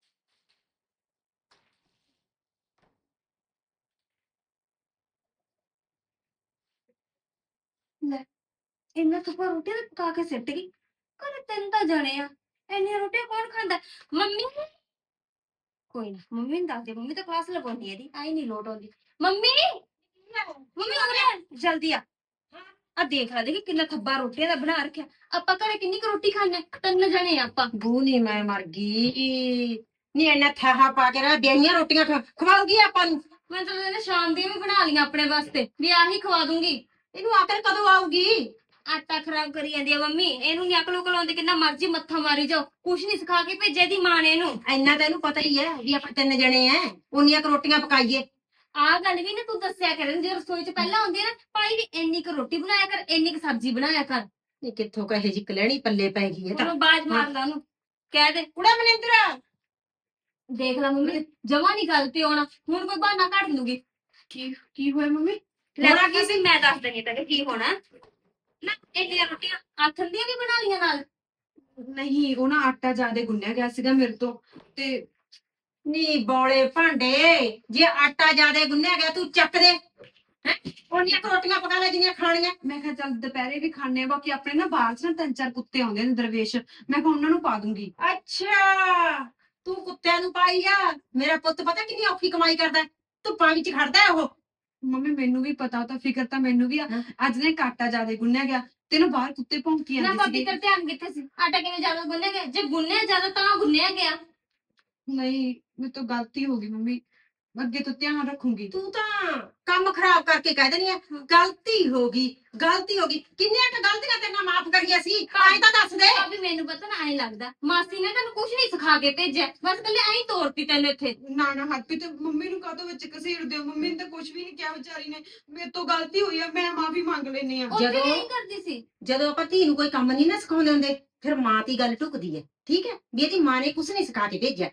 Speaker 3: ਲੈ ਇੰਨਾ ਤੁਪਾ ਰੋਟੀ ਤਾਂ ਪਕਾ ਕੇ ਸਿੱਟ ਗਈ। ਘਰੇ ਤਿੰਨ ਤਾਂ ਜਣੇ ਆ, ਇੰਨੀਆਂ ਰੋਟੀਆਂ ਕੌਣ ਖਾਂਦਾ? ਮੰਮੀ ਕੋਈ ਨਾ ਮੰਮੀ ਨੂੰ ਦੱਸ ਦੇ, ਮੰਮੀ ਤਾਂ ਕਲਾਸ ਲਗਾਉਂਦੀ ਇਹਦੀ, ਆਈ ਨਹੀਂ ਲੋਟ ਆਉਂਦੀ। ਮੰਮੀ ਮੰਮੀ ਉਰੇ ਜਲਦੀ ਆ। ਆ ਦੇਖ ਲੈ, ਦੇਖੀ ਕਿੰਨਾ ਥੱਬਾ ਰੋਟੀਆਂ ਦਾ ਬਣਾ ਰੱਖਿਆ। ਆਪਾਂ ਘਰੇ ਕਿੰਨੀ ਕੁ ਰੋਟੀ ਖਾਣੇ? ਤਿੰਨ ਜਣੇ ਆ ਆਪਾਂ।
Speaker 1: ਬੂ ਨੀ ਮੈਂ ਮਰ ਗਈ ਨਹੀਂ ਇੰਨਾ ਥਾਹਾ ਪਾ ਕੇ ਰਹਿ ਬੇਈਆਂ ਰੋਟੀਆਂ ਖ- ਖਵਾਊਗੀ ਆਪਾਂ ਨੂੰ।
Speaker 3: ਮੈਂ ਤਾਂ ਇਹਨੇ ਸ਼ਾਮ ਦੀਆਂ ਵੀ ਬਣਾ ਲਈਆਂ ਆਪਣੇ ਵਾਸਤੇ ਵੀ ਆਹੀ ਖਵਾ ਦੂੰਗੀ।
Speaker 1: ਇਹਨੂੰ ਆਖਰ ਕਦੋਂ ਆਊਗੀ?
Speaker 3: ਆਟਾ ਖਰਾਬ ਕਰੀ ਜਾਂਦੀ ਆ ਮੰਮੀ, ਇਹਨੂੰ ਨੀ ਅਕਲ ਉਕਲ ਆਉਂਦੀ, ਕਿੰਨਾ ਮਰਜ਼ੀ ਮੱਥਾ ਮਾਰੀ ਜਾਓ, ਕੁਛ ਨਹੀਂ ਸਿਖਾ ਕੇ ਭੇਜਿਆ ਦੀ ਮਾਂ ਨੇ ਇਹਨੂੰ।
Speaker 1: ਇੰਨਾ ਤਾਂ ਇਹਨੂੰ ਪਤਾ ਹੀ ਹੈ ਵੀ ਆਪਾਂ ਤਿੰਨ ਜਣੇ ਐ, ਉਨੀਆਂ ਕੁ ਰੋਟੀਆਂ ਪਕਾਈਏ।
Speaker 3: ਆਹ ਗੱਲ ਵੀ ਨਾ ਤੂੰ ਦੱਸਿਆ ਕਰ, ਜੇ ਰਸੋਈ ਚ ਪਹਿਲਾਂ ਆਉਂਦੀ ਆ ਨਾ ਭਾਈ ਵੀ ਇੰਨੀ ਕੁ ਰੋਟੀ ਬਣਾਇਆ ਕਰ, ਇੰਨੀ ਕੁ ਸਬਜ਼ੀ ਬਣਾਇਆ ਕਰ।
Speaker 1: ਇਹ ਕਿੱਥੋਂ ਕਹੇ ਜੀ ਕਲੈਣੀ ਪੱਲੇ ਪੈ ਗਈ ਹੈ ਤਾਂ।
Speaker 3: ਉਹਨੂੰ ਬਾਜ ਮਾਰ ਲਾ ਉਹਨੂੰ, ਕਹਿ ਦੇ
Speaker 1: ਕੁੜਾ ਮਨਿੰਦਰ,
Speaker 3: ਦੇਖ ਲੈ ਮੰਮੀ ਜਮਾ ਨਹੀਂ ਗੱਲ ਤੇ ਆਉਣਾ, ਹੁਣ ਕੋਈ ਬਹਾਨਾ ਕੱਢ ਲੂਗੀ।
Speaker 2: ਕੀ ਕੀ ਹੋਇਆ ਮੰਮੀ?
Speaker 3: ਲੈ
Speaker 1: ਹੋਣਾ
Speaker 3: ਕੀ ਸੀ ਮੈਂ ਦੱਸ ਦਣੀ ਤੈਨੂੰ ਕੀ ਹੋਣਾ ਨਾ। ਇੰਨੀਆਂ ਰੋਟੀਆਂ ਆਥਣ ਦੀਆਂ ਵੀ ਬਣਾ ਲੀਆਂ ਨਾਲ।
Speaker 2: ਨਹੀਂ ਉਹ ਨਾ ਆਟਾ ਜ਼ਿਆਦਾ ਗੁੰਨਿਆ ਗਿਆ ਸੀਗਾ ਮੇਰੇ ਤੋਂ ਤੇ
Speaker 1: ਨੀ ਬੋਲੇ ਭਾਂਡੇ, ਜੇ ਆਟਾ ਜ਼ਿਆਦੇ ਗੁੰਨਿਆ ਗਿਆ ਤੂੰ ਚੱਕ ਦੇ ਹੈ, ਉਨੀਆਂ ਕੁ ਰੋਟੀਆਂ ਪਕਾ ਲੈ ਜਿੰਨੀਆਂ ਖਾਣੀਆਂ।
Speaker 2: ਮੈਂ ਕਿਹਾ ਚੱਲ ਦੁਪਹਿਰੇ ਵੀ ਖਾਣੇ ਆ, ਬਾਕੀ ਆਪਣੇ ਨਾ ਬਾਹਰ ਚ ਨਾ ਤਿੰਨ ਚਾਰ ਕੁੱਤੇ ਆਉਂਦੇ ਨੇ ਦਰਵੇਸ਼, ਮੈਂ ਕਿਹਾ ਉਹਨਾਂ ਨੂੰ ਪਾ ਦੂੰਗੀ।
Speaker 1: ਅੱਛਾ ਤੂੰ ਕੁੱਤਿਆਂ ਨੂੰ ਪਾਈ ਆ। ਮੇਰਾ ਪੁੱਤ ਪਤਾ ਕਿੰਨੀ ਔਖੀ ਕਮਾਈ ਕਰਦਾ, ਧੁੱਪਾਂ ਵਿੱਚ ਖੜਦਾ ਹੈ ਉਹ।
Speaker 2: ਮੰਮੀ ਮੈਨੂੰ ਵੀ ਪਤਾ, ਉਹ ਤਾਂ ਫਿਕਰ ਤਾਂ ਮੈਨੂੰ ਵੀ ਆ।
Speaker 1: ਹਾਂ।
Speaker 2: ਅੱਜ ਨੇ ਆਟਾ ਜ਼ਿਆਦਾ ਗੁੰਨਿਆ ਗਿਆ ਤੇ ਨਾ ਬਾਹਰ ਕੁੱਤੇ ਭੌਂਕੀ
Speaker 3: ਨਾ
Speaker 2: ਜਾਂਦੇ
Speaker 3: ਭਾਬੀ
Speaker 2: ਸੀਗੇ।
Speaker 3: ਤੇਰਾ ਧਿਆਨ ਕਿੱਥੇ ਸੀ? ਆਟਾ ਕਿਵੇਂ ਜ਼ਿਆਦਾ ਗੁੰਨਿਆ ਗਿਆ? ਜੇ ਗੁੰਨਿਆ ਜ਼ਿਆਦਾ ਤਾਂ ਗੁੰਨਿਆ ਗਿਆ।
Speaker 2: ਨਹੀਂ ਮੇਰੇ ਤੋਂ ਗਲਤੀ ਹੋ ਗਈ ਮੰਮੀ, ਅੱਗੇ ਤੋਂ ਧਿਆਨ ਰੱਖੂੰਗੀ।
Speaker 1: ਤੂੰ ਤਾਂ ਕੰਮ ਖਰਾਬ ਕਰਕੇ ਕਹਿ ਦੇਣੀ ਆ ਗਲਤੀ ਹੋ ਗਈ, ਗਲਤੀ ਹੋ ਗਈ। ਕਿੰਨੀਆਂ ਕੁ ਗਲਤੀਆਂ ਤੇਰੇ ਨਾਲ ਮਾਫ ਕਰੀਆਂ ਸੀ, ਆਏ ਤਾਂ ਦੱਸ ਦੇ।
Speaker 3: ਭਾਬੀ ਮੈਨੂੰ ਪਤਾ ਨਾ ਐਂ ਲੱਗਦਾ ਮਾਸੀ ਨੇ ਤੈਨੂੰ ਕੁਝ ਨਹੀਂ ਸਿਖਾ ਕੇ ਭੇਜਿਆ, ਬਸ ਕੱਲੇ ਐਂ ਤੋਰਤੀ ਤੈਨੂੰ ਇੱਥੇ।
Speaker 2: ਨਾ ਨਾ ਹਰਪ੍ਰੀਤ, ਮੰਮੀ ਨੂੰ ਕਾਹਤੋਂ ਵਿੱਚ ਘਸੀੜਦੇ ਹੋ? ਮੰਮੀ ਨੇ ਤਾਂ ਕੁਝ ਵੀ ਨਹੀਂ ਕਿਹਾ ਵਿਚਾਰੀ ਨੇ, ਮੇਰੇ ਤੋਂ ਗਲਤੀ ਹੋਈ ਆ, ਮੈਂ ਮਾਫੀ ਮੰਗ ਲੈਣੀ ਆ।
Speaker 3: ਉਹ ਵੀ
Speaker 1: ਜਦੋਂ-
Speaker 3: ਨਹੀਂ ਕਰਦੀ ਸੀ।
Speaker 1: ਜਦੋਂ ਆਪਾਂ ਧੀ ਨੂੰ ਕੋਈ ਕੰਮ ਨਹੀਂ ਨਾ ਸਿਖਾਉਂਦੇ ਹੁੰਦੇ, ਫਿਰ ਮਾਂ ਦੀ ਗੱਲ ਟੁਕਦੀ ਹੈ। ਠੀਕ ਹੈ ਵੀ ਇਹਦੀ ਮਾਂ ਨੇ ਕੁਝ ਨਹੀਂ ਸਿਖਾ ਕੇ ਭੇਜਿਆ।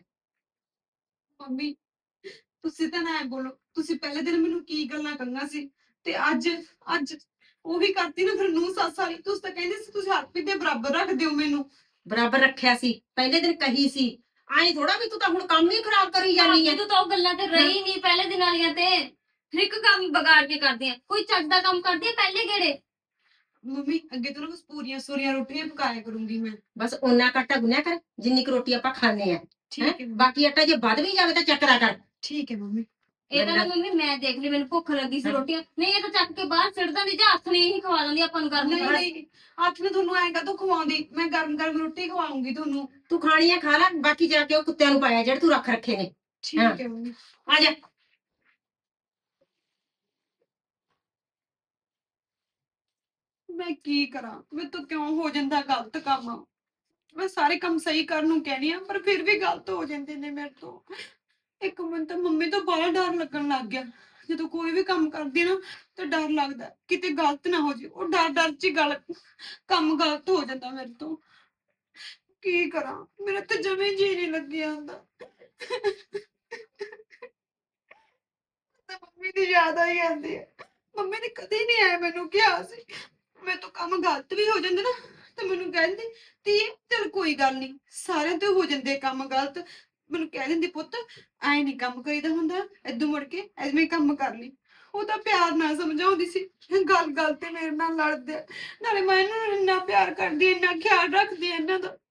Speaker 2: ਮੰਮੀ ਤੁਸੀਂ ਤਾਂ ਨਾ ਐਂ ਬੋਲੋ, ਤੁਸੀਂ ਪਹਿਲੇ ਦਿਨ ਮੈਨੂੰ ਕੀ ਗੱਲਾਂ ਕਹੀਆਂ ਸੀ ਤੇ ਅੱਜ ਅੱਜ ਉਹ ਵੀ ਕਰਤੀ ਨਾ ਫਿਰ ਨੂੰ ਸੱਸ ਵਾਲੀ। ਤੁਸੀਂ ਤਾਂ ਕਹਿੰਦੇ ਸੀ ਤੁਸੀਂ ਹਰਪ੍ਰੀਤ ਦੇ ਬਰਾਬਰ ਰੱਖ ਦਿਓ ਮੈਨੂੰ।
Speaker 1: ਬਰਾਬਰ ਰੱਖਿਆ ਸੀ, ਪਹਿਲੇ ਦਿਨ ਕਹੀ ਸੀ। ਐਂ ਥੋੜਾ ਵੀ ਤੂੰ ਤਾਂ ਹੁਣ ਕੰਮ ਹੀ ਖਰਾਬ ਕਰੀ ਜਾਂਦੀ ਹੈ।
Speaker 3: ਭਾਬੀ ਤੂੰ ਤਾਂ ਉਹ ਗੱਲਾਂ ਤੇ ਰਹੀ ਨਹੀਂ ਪਹਿਲੇ ਦਿਨ ਵਾਲੀਆਂ ਤੇ। ਹਰ ਇੱਕ ਕੰਮ ਵਿਗਾੜ ਕੇ ਕਰਦੀ ਆ, ਕੋਈ ਚੱਜ ਦਾ ਕੰਮ ਕਰਦੀ ਆ ਪਹਿਲੇ ਗੇੜੇ।
Speaker 2: ਮੰਮੀ ਅੱਗੇ ਤੋਂ ਨਾ ਬਸ ਪੂਰੀਆਂ ਸੂਰੀਆਂ ਰੋਟੀਆਂ ਪਕਾਇਆ ਕਰੂੰਗੀ ਮੈਂ।
Speaker 1: ਬਸ ਓਨਾ ਕੁ ਆਟਾ ਗੁੰਨਿਆ ਕਰ ਜਿੰਨੀ ਕੁ ਰੋਟੀ ਆਪਾਂ ਖਾਣੇ ਆ।
Speaker 2: ਠੀਕ
Speaker 1: ਹੈਂ?
Speaker 2: ਹੈ ਮੰਮੀ।
Speaker 1: ਬਾਕੀ ਆਟਾ ਜੇ ਵੱਧ ਵੀ ਜਾਵੇ ਤਾਂ ਚੱਕਰਾ ਕਰ।
Speaker 2: ਠੀਕ ਹੈ ਮੰਮੀ।
Speaker 3: ਇਹ ਤਾਂ ਨਾ ਮੰਮੀ ਮੈਂ ਦੇਖ ਲਈ, ਮੈਨੂੰ ਭੁੱਖ ਲੱਗੀ ਸੀ ਰੋਟੀਆਂ, ਨਹੀਂ ਇਹ ਤਾਂ ਚੱਕ ਕੇ ਬਾਹਰ ਸਿੱਟ ਦਿੰਦੀ ਜਾਂ ਹੱਥ ਨੇ ਹੀ ਖਵਾ ਦਿੰਦੀ ਆਪਾਂ ਨੂੰ ਗਰਮ
Speaker 2: ਨਹੀਂ
Speaker 3: ਗਰਮ।
Speaker 2: ਨਹੀਂ ਅੱਜ ਮੈਂ ਤੁਹਾਨੂੰ ਐਂ ਕਾਹਤੋਂ ਖਵਾਉਂਦੀ, ਮੈਂ ਗਰਮ ਗਰਮ ਰੋਟੀ ਖਵਾਉਂਗੀ ਤੁਹਾਨੂੰ।
Speaker 1: ਤੂੰ ਖਾਣੀਆਂ ਖਾ ਲੈ, ਬਾਕੀ ਜਾ ਕੇ ਉਹ ਕੁੱਤਿਆਂ ਨੂੰ ਪਾਇਆ ਜਿਹੜੇ ਤੂੰ ਰੱਖ ਰੱਖੇ ਨੇ।
Speaker 2: ਠੀਕ
Speaker 1: ਹਾਂ।
Speaker 2: ਹੈ ਮੰਮੀ।
Speaker 1: ਆ ਜਾ।
Speaker 2: ਮੈਂ ਕੀ ਕਰਾਂ, ਮੇਰੇ ਤੋਂ ਕਿਉਂ ਹੋ ਜਾਂਦਾ ਗਲਤ ਕੰਮ? ਮੈਂ ਸਾਰੇ ਕੰਮ ਸਹੀ ਕਰਨ ਨੂੰ ਕਹਿਣੀ ਆ ਪਰ ਫਿਰ ਵੀ ਗਲਤ ਹੋ ਜਾਂਦੇ ਨੇ ਮੇਰੇ ਤੋਂ। ਇੱਕ ਮਿੰਟ ਤਾਂ ਮੰਮੀ ਤੋਂ ਬੜਾ ਡਰ ਲੱਗਣ ਲੱਗ ਗਿਆ, ਜਦੋਂ ਕੋਈ ਵੀ ਕੰਮ ਕਰਦੀ ਆ ਨਾ ਤਾਂ ਡਰ ਲੱਗਦਾ ਕਿਤੇ ਗਲਤ ਨਾ ਹੋ ਜੇ। ਉਹ ਡਰ ਡਰ ਚ ਹੀ ਗਲ ਕੰਮ ਗਲਤ ਹੋ ਜਾਂਦਾ ਮੇਰੇ ਤੋਂ। ਕੀ ਕਰਾਂ, ਮੇਰਾ ਤਾਂ ਜਮੇ ਜੀ ਨਹੀਂ ਲੱਗਿਆ ਹੁੰਦਾ। ਤਾਂ ਮੰਮੀ ਦੀ ਯਾਦ ਆਈ ਜਾਂਦੀ ਹੈ। ਮੰਮੀ ਨੇ ਕਦੇ ਨਹੀਂ ਆਇਆ ਮੈਨੂੰ ਕਿਹਾ ਸੀ, ਮੇਰੇ ਤੋਂ ਕੰਮ ਗਲਤ ਵੀ ਹੋ ਜਾਂਦੇ ਨਾ ਤੇ ਮੈਨੂੰ ਕਹਿੰਦੀ ਤੀ ਚਲ ਕੋਈ ਗੱਲ ਨਹੀਂ, ਸਾਰਿਆਂ ਤੋਂ ਹੋ ਜਾਂਦੇ ਕੰਮ ਗਲਤ। ਮੈਨੂੰ ਕਹਿ ਦਿੰਦੀ ਪੁੱਤ ਐ ਨਹੀਂ ਕੰਮ ਕਰੀਦਾ ਹੁੰਦਾ, ਏਦੋਂ ਮੁੜ ਕੇ ਐਵੇਂ ਕੰਮ ਕਰ ਲਈ। ਉਹ ਤਾਂ ਪਿਆਰ ਨਾਲ ਸਮਝਾਉਂਦੀ ਸੀ, ਗੱਲ ਗੱਲ ਤੇ ਮੇਰੇ ਨਾਲ ਲੜਦੇ ਆ। ਨਾਲੇ ਮੈਂ ਇਹਨਾਂ ਨੂੰ ਇੰਨਾ ਪਿਆਰ ਕਰਦੀ, ਇੰਨਾ ਖਿਆਲ ਰੱਖਦੀ ਆ ਇਹਨਾਂ ਦਾ।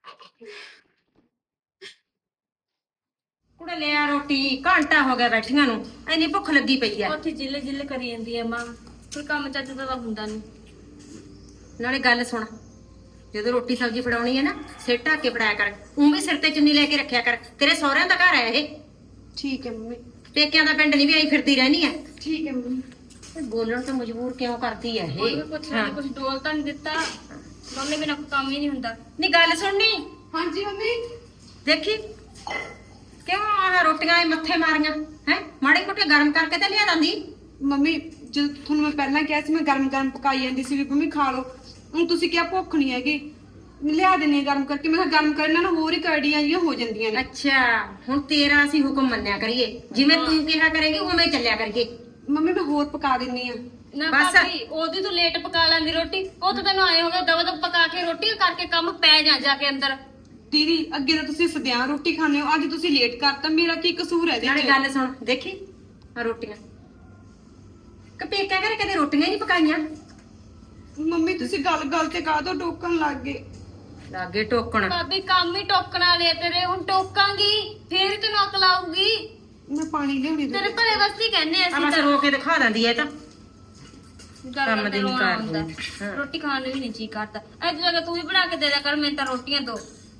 Speaker 1: ਕੁੜੇ ਲਿਆ ਰੋਟੀ, ਘੰਟਾ ਹੋ ਗਿਆ ਬੈਠੀਆਂ ਨੂੰ, ਐਨੀ ਭੁੱਖ ਲੱਗੀ ਪਈ ਐ।
Speaker 3: ਉੱਥੇ ਜਿੱਲੇ ਜਿੱਲੇ ਕਰੀ ਜਾਂਦੀ ਆ ਮਾਂ, ਕੋਈ ਕੰਮ ਚੱਜ ਦਾ ਤਾਂ ਹੁੰਦਾ ਨਹੀਂ।
Speaker 1: ਨਾਲੇ ਗੱਲ ਸੁਣ, ਜਦੋਂ ਰੋਟੀ ਸਬਜ਼ੀ ਫੜਾਉਣੀ ਹੈ ਨਾ ਸਿਰ ਢੱਕ ਕੇ ਫੜਾਇਆ ਕਰ। ਉਹ ਵੀ ਸਿਰ ਤੇ ਚੁੰਨੀ ਲੈ ਕੇ ਰੱਖਿਆ ਕਰ, ਤੇਰੇ ਸਹੁਰਿਆਂ ਦਾ ਘਰ ਹੈ ਇਹ।
Speaker 2: ਠੀਕ ਹੈ ਮੰਮੀ।
Speaker 1: ਪੇਕਿਆਂ ਦਾ ਪਿੰਡ ਨਹੀਂ ਵੀ ਆਈ ਫਿਰਦੀ ਰਹਿਣੀ ਹੈ।
Speaker 2: ਠੀਕ ਹੈ ਮੰਮੀ।
Speaker 1: ਇਹ ਬੋਲਣ ਤੋਂ ਮਜਬੂਰ ਕਿਉਂ ਕਰਦੀ ਹੈ
Speaker 3: ਕੋਈ
Speaker 1: ਇਹ?
Speaker 3: ਵੀ ਕੁਛ ਨਾ ਕੁਛ ਡੋਲ ਤਾਂ ਨਹੀਂ ਦਿੱਤਾ, ਮੰਮੀ ਬਿਨਾਂ ਕੋਈ ਕੰਮ ਹੀ ਨਹੀਂ ਹੁੰਦਾ।
Speaker 1: ਨਹੀਂ ਗੱਲ ਸੁਣਨੀ,
Speaker 2: ਹਾਂਜੀ ਮੰਮੀ।
Speaker 1: ਦੇਖੀ ਕਿਉਂ ਆਹ ਰੋਟੀਆਂ ਇਹ ਮੱਥੇ ਮਾਰੀਆਂ ਹੈ? ਮਾੜੇ ਮੋਟੇ ਗਰਮ ਕਰਕੇ ਤੇ ਲਿਆ ਦਿੰਦੀ।
Speaker 2: ਮੰਮੀ ਜਦੋਂ ਤੁਹਾਨੂੰ ਮੈਂ ਪਹਿਲਾਂ ਕਿਹਾ ਸੀ ਮੈਂ ਗਰਮ ਗਰਮ ਪਕਾਈ ਜਾਂਦੀ ਸੀ ਵੀ ਮੰਮੀ ਖਾ ਲਓ, ਹੁਣ ਤੁਸੀਂ ਕਿਹਾ ਭੁੱਖ ਨਹੀਂ ਹੈਗੀ, ਲਿਆ ਦਿੰਨੀ ਆ ਗਰਮ ਕਰਕੇ। ਮੈਂ ਕਿਹਾ ਗਰਮ ਕਰਨ ਨਾਲ ਹੋਰ ਹੀ ਕੜੀਆਂ ਜਿਹੀਆਂ ਹੋ ਜਾਂਦੀਆਂ ਨੇ।
Speaker 1: ਅੱਛਾ ਹੁਣ ਤੇਰਾ ਅਸੀਂ ਹੁਕਮ ਮੰਨਿਆ ਕਰੀਏ, ਜਿਵੇਂ ਤੂੰ ਕਿਹਾ ਕਰੇਗੀ ਉਵੇਂ ਚੱਲਿਆ ਕਰੀਏ।
Speaker 2: ਮੰਮੀ ਮੈਂ ਹੋਰ ਪਕਾ ਦਿੰਨੀ ਆ।
Speaker 3: ਨਾ
Speaker 1: ਬਸ।
Speaker 3: ਭਾਬੀ ਉਹਦੀ ਤੂੰ ਲੇਟ ਪਕਾ ਲੈਂਦੀ ਰੋਟੀ, ਉਹ ਤਾਂ ਤੈਨੂੰ ਆਏ ਹੋਗਾ ਦਵਾ ਦਵ ਪਕਾ ਕੇ ਰੋਟੀ ਕਰਕੇ ਕੰਮ ਪੈ ਜਾ ਜਾ ਕੇ ਅੰਦਰ।
Speaker 2: ਦੀਦੀ ਅੱਗੇ ਤਾਂ ਤੁਸੀਂ ਸਦਿਆਂ ਰੋਟੀ ਖਾਂਦੇ ਹੋ, ਅੱਜ ਤੁਸੀਂ ਲੇਟ ਕਰਤਾ, ਮੇਰਾ ਕੀ ਕਸੂਰ ਹੈ
Speaker 1: ਨਾਲੇ
Speaker 2: ਇਹਦੇ ਚ?
Speaker 1: ਗੱਲ ਸੁਣ, ਦੇਖੀ ਆ ਰੋਟੀਆਂ ਕਪੇਕਾ ਕਰੇ ਕਦੇ ਰੋਟੀਆਂ ਨਹੀਂ ਪਕਾਈਆਂ।
Speaker 2: ਮੰਮੀ ਤੁਸੀਂ ਗੱਲ ਗੱਲ ਤੇ ਕਾਹਦੋਂ ਟੋਕਣ ਲੱਗ ਗਏ?
Speaker 1: ਲਾਗੇ ਟੋਕਣ।
Speaker 3: ਭਾਬੀ ਕੰਮ ਹੀ ਟੋਕਣ ਵਾਲੇ ਆ ਤੇਰੇ, ਹੁਣ ਟੋਕਾਂਗੀ ਫੇਰ ਹੀ ਤੈਨੂੰ ਅਕਲ ਆਊਗੀ।
Speaker 2: ਮੈਂ ਪਾਣੀ ਲਿਆਉਣੀ
Speaker 3: ਤੇਰੇ ਭਲੇ ਵਾਸਤੇ ਹੀ ਕਹਿੰਦੇ
Speaker 1: ਆ
Speaker 3: ਅਸੀਂ
Speaker 1: ਬਸ
Speaker 3: ਤਾਂ।
Speaker 1: ਰੋ ਕੇ ਦਿਖਾ ਦਿੰਦੀ ਐ ਤਾਂ।
Speaker 3: ਗੱਲ
Speaker 1: ਕੰਮ
Speaker 3: ਕਰਦੇ
Speaker 1: ਦੀ ਨੀ
Speaker 3: ਰੋਣਾ
Speaker 1: ਕਰਦੀ।
Speaker 3: ਆਉਂਦਾ।
Speaker 1: ਹਾਂ।
Speaker 3: ਰੋਟੀ ਖਾਣ ਨੂੰ ਵੀ ਨਹੀਂ ਜੀ ਕਰਦਾ। ਅੱਜ ਜਗ੍ਹਾ ਤੂੰ ਵੀ ਬਣਾ ਕੇ ਦੇ ਦਿਆ ਕਰ, ਮੈਨੂੰ ਤਾਂ ਰੋਟੀਆਂ ਦੋ।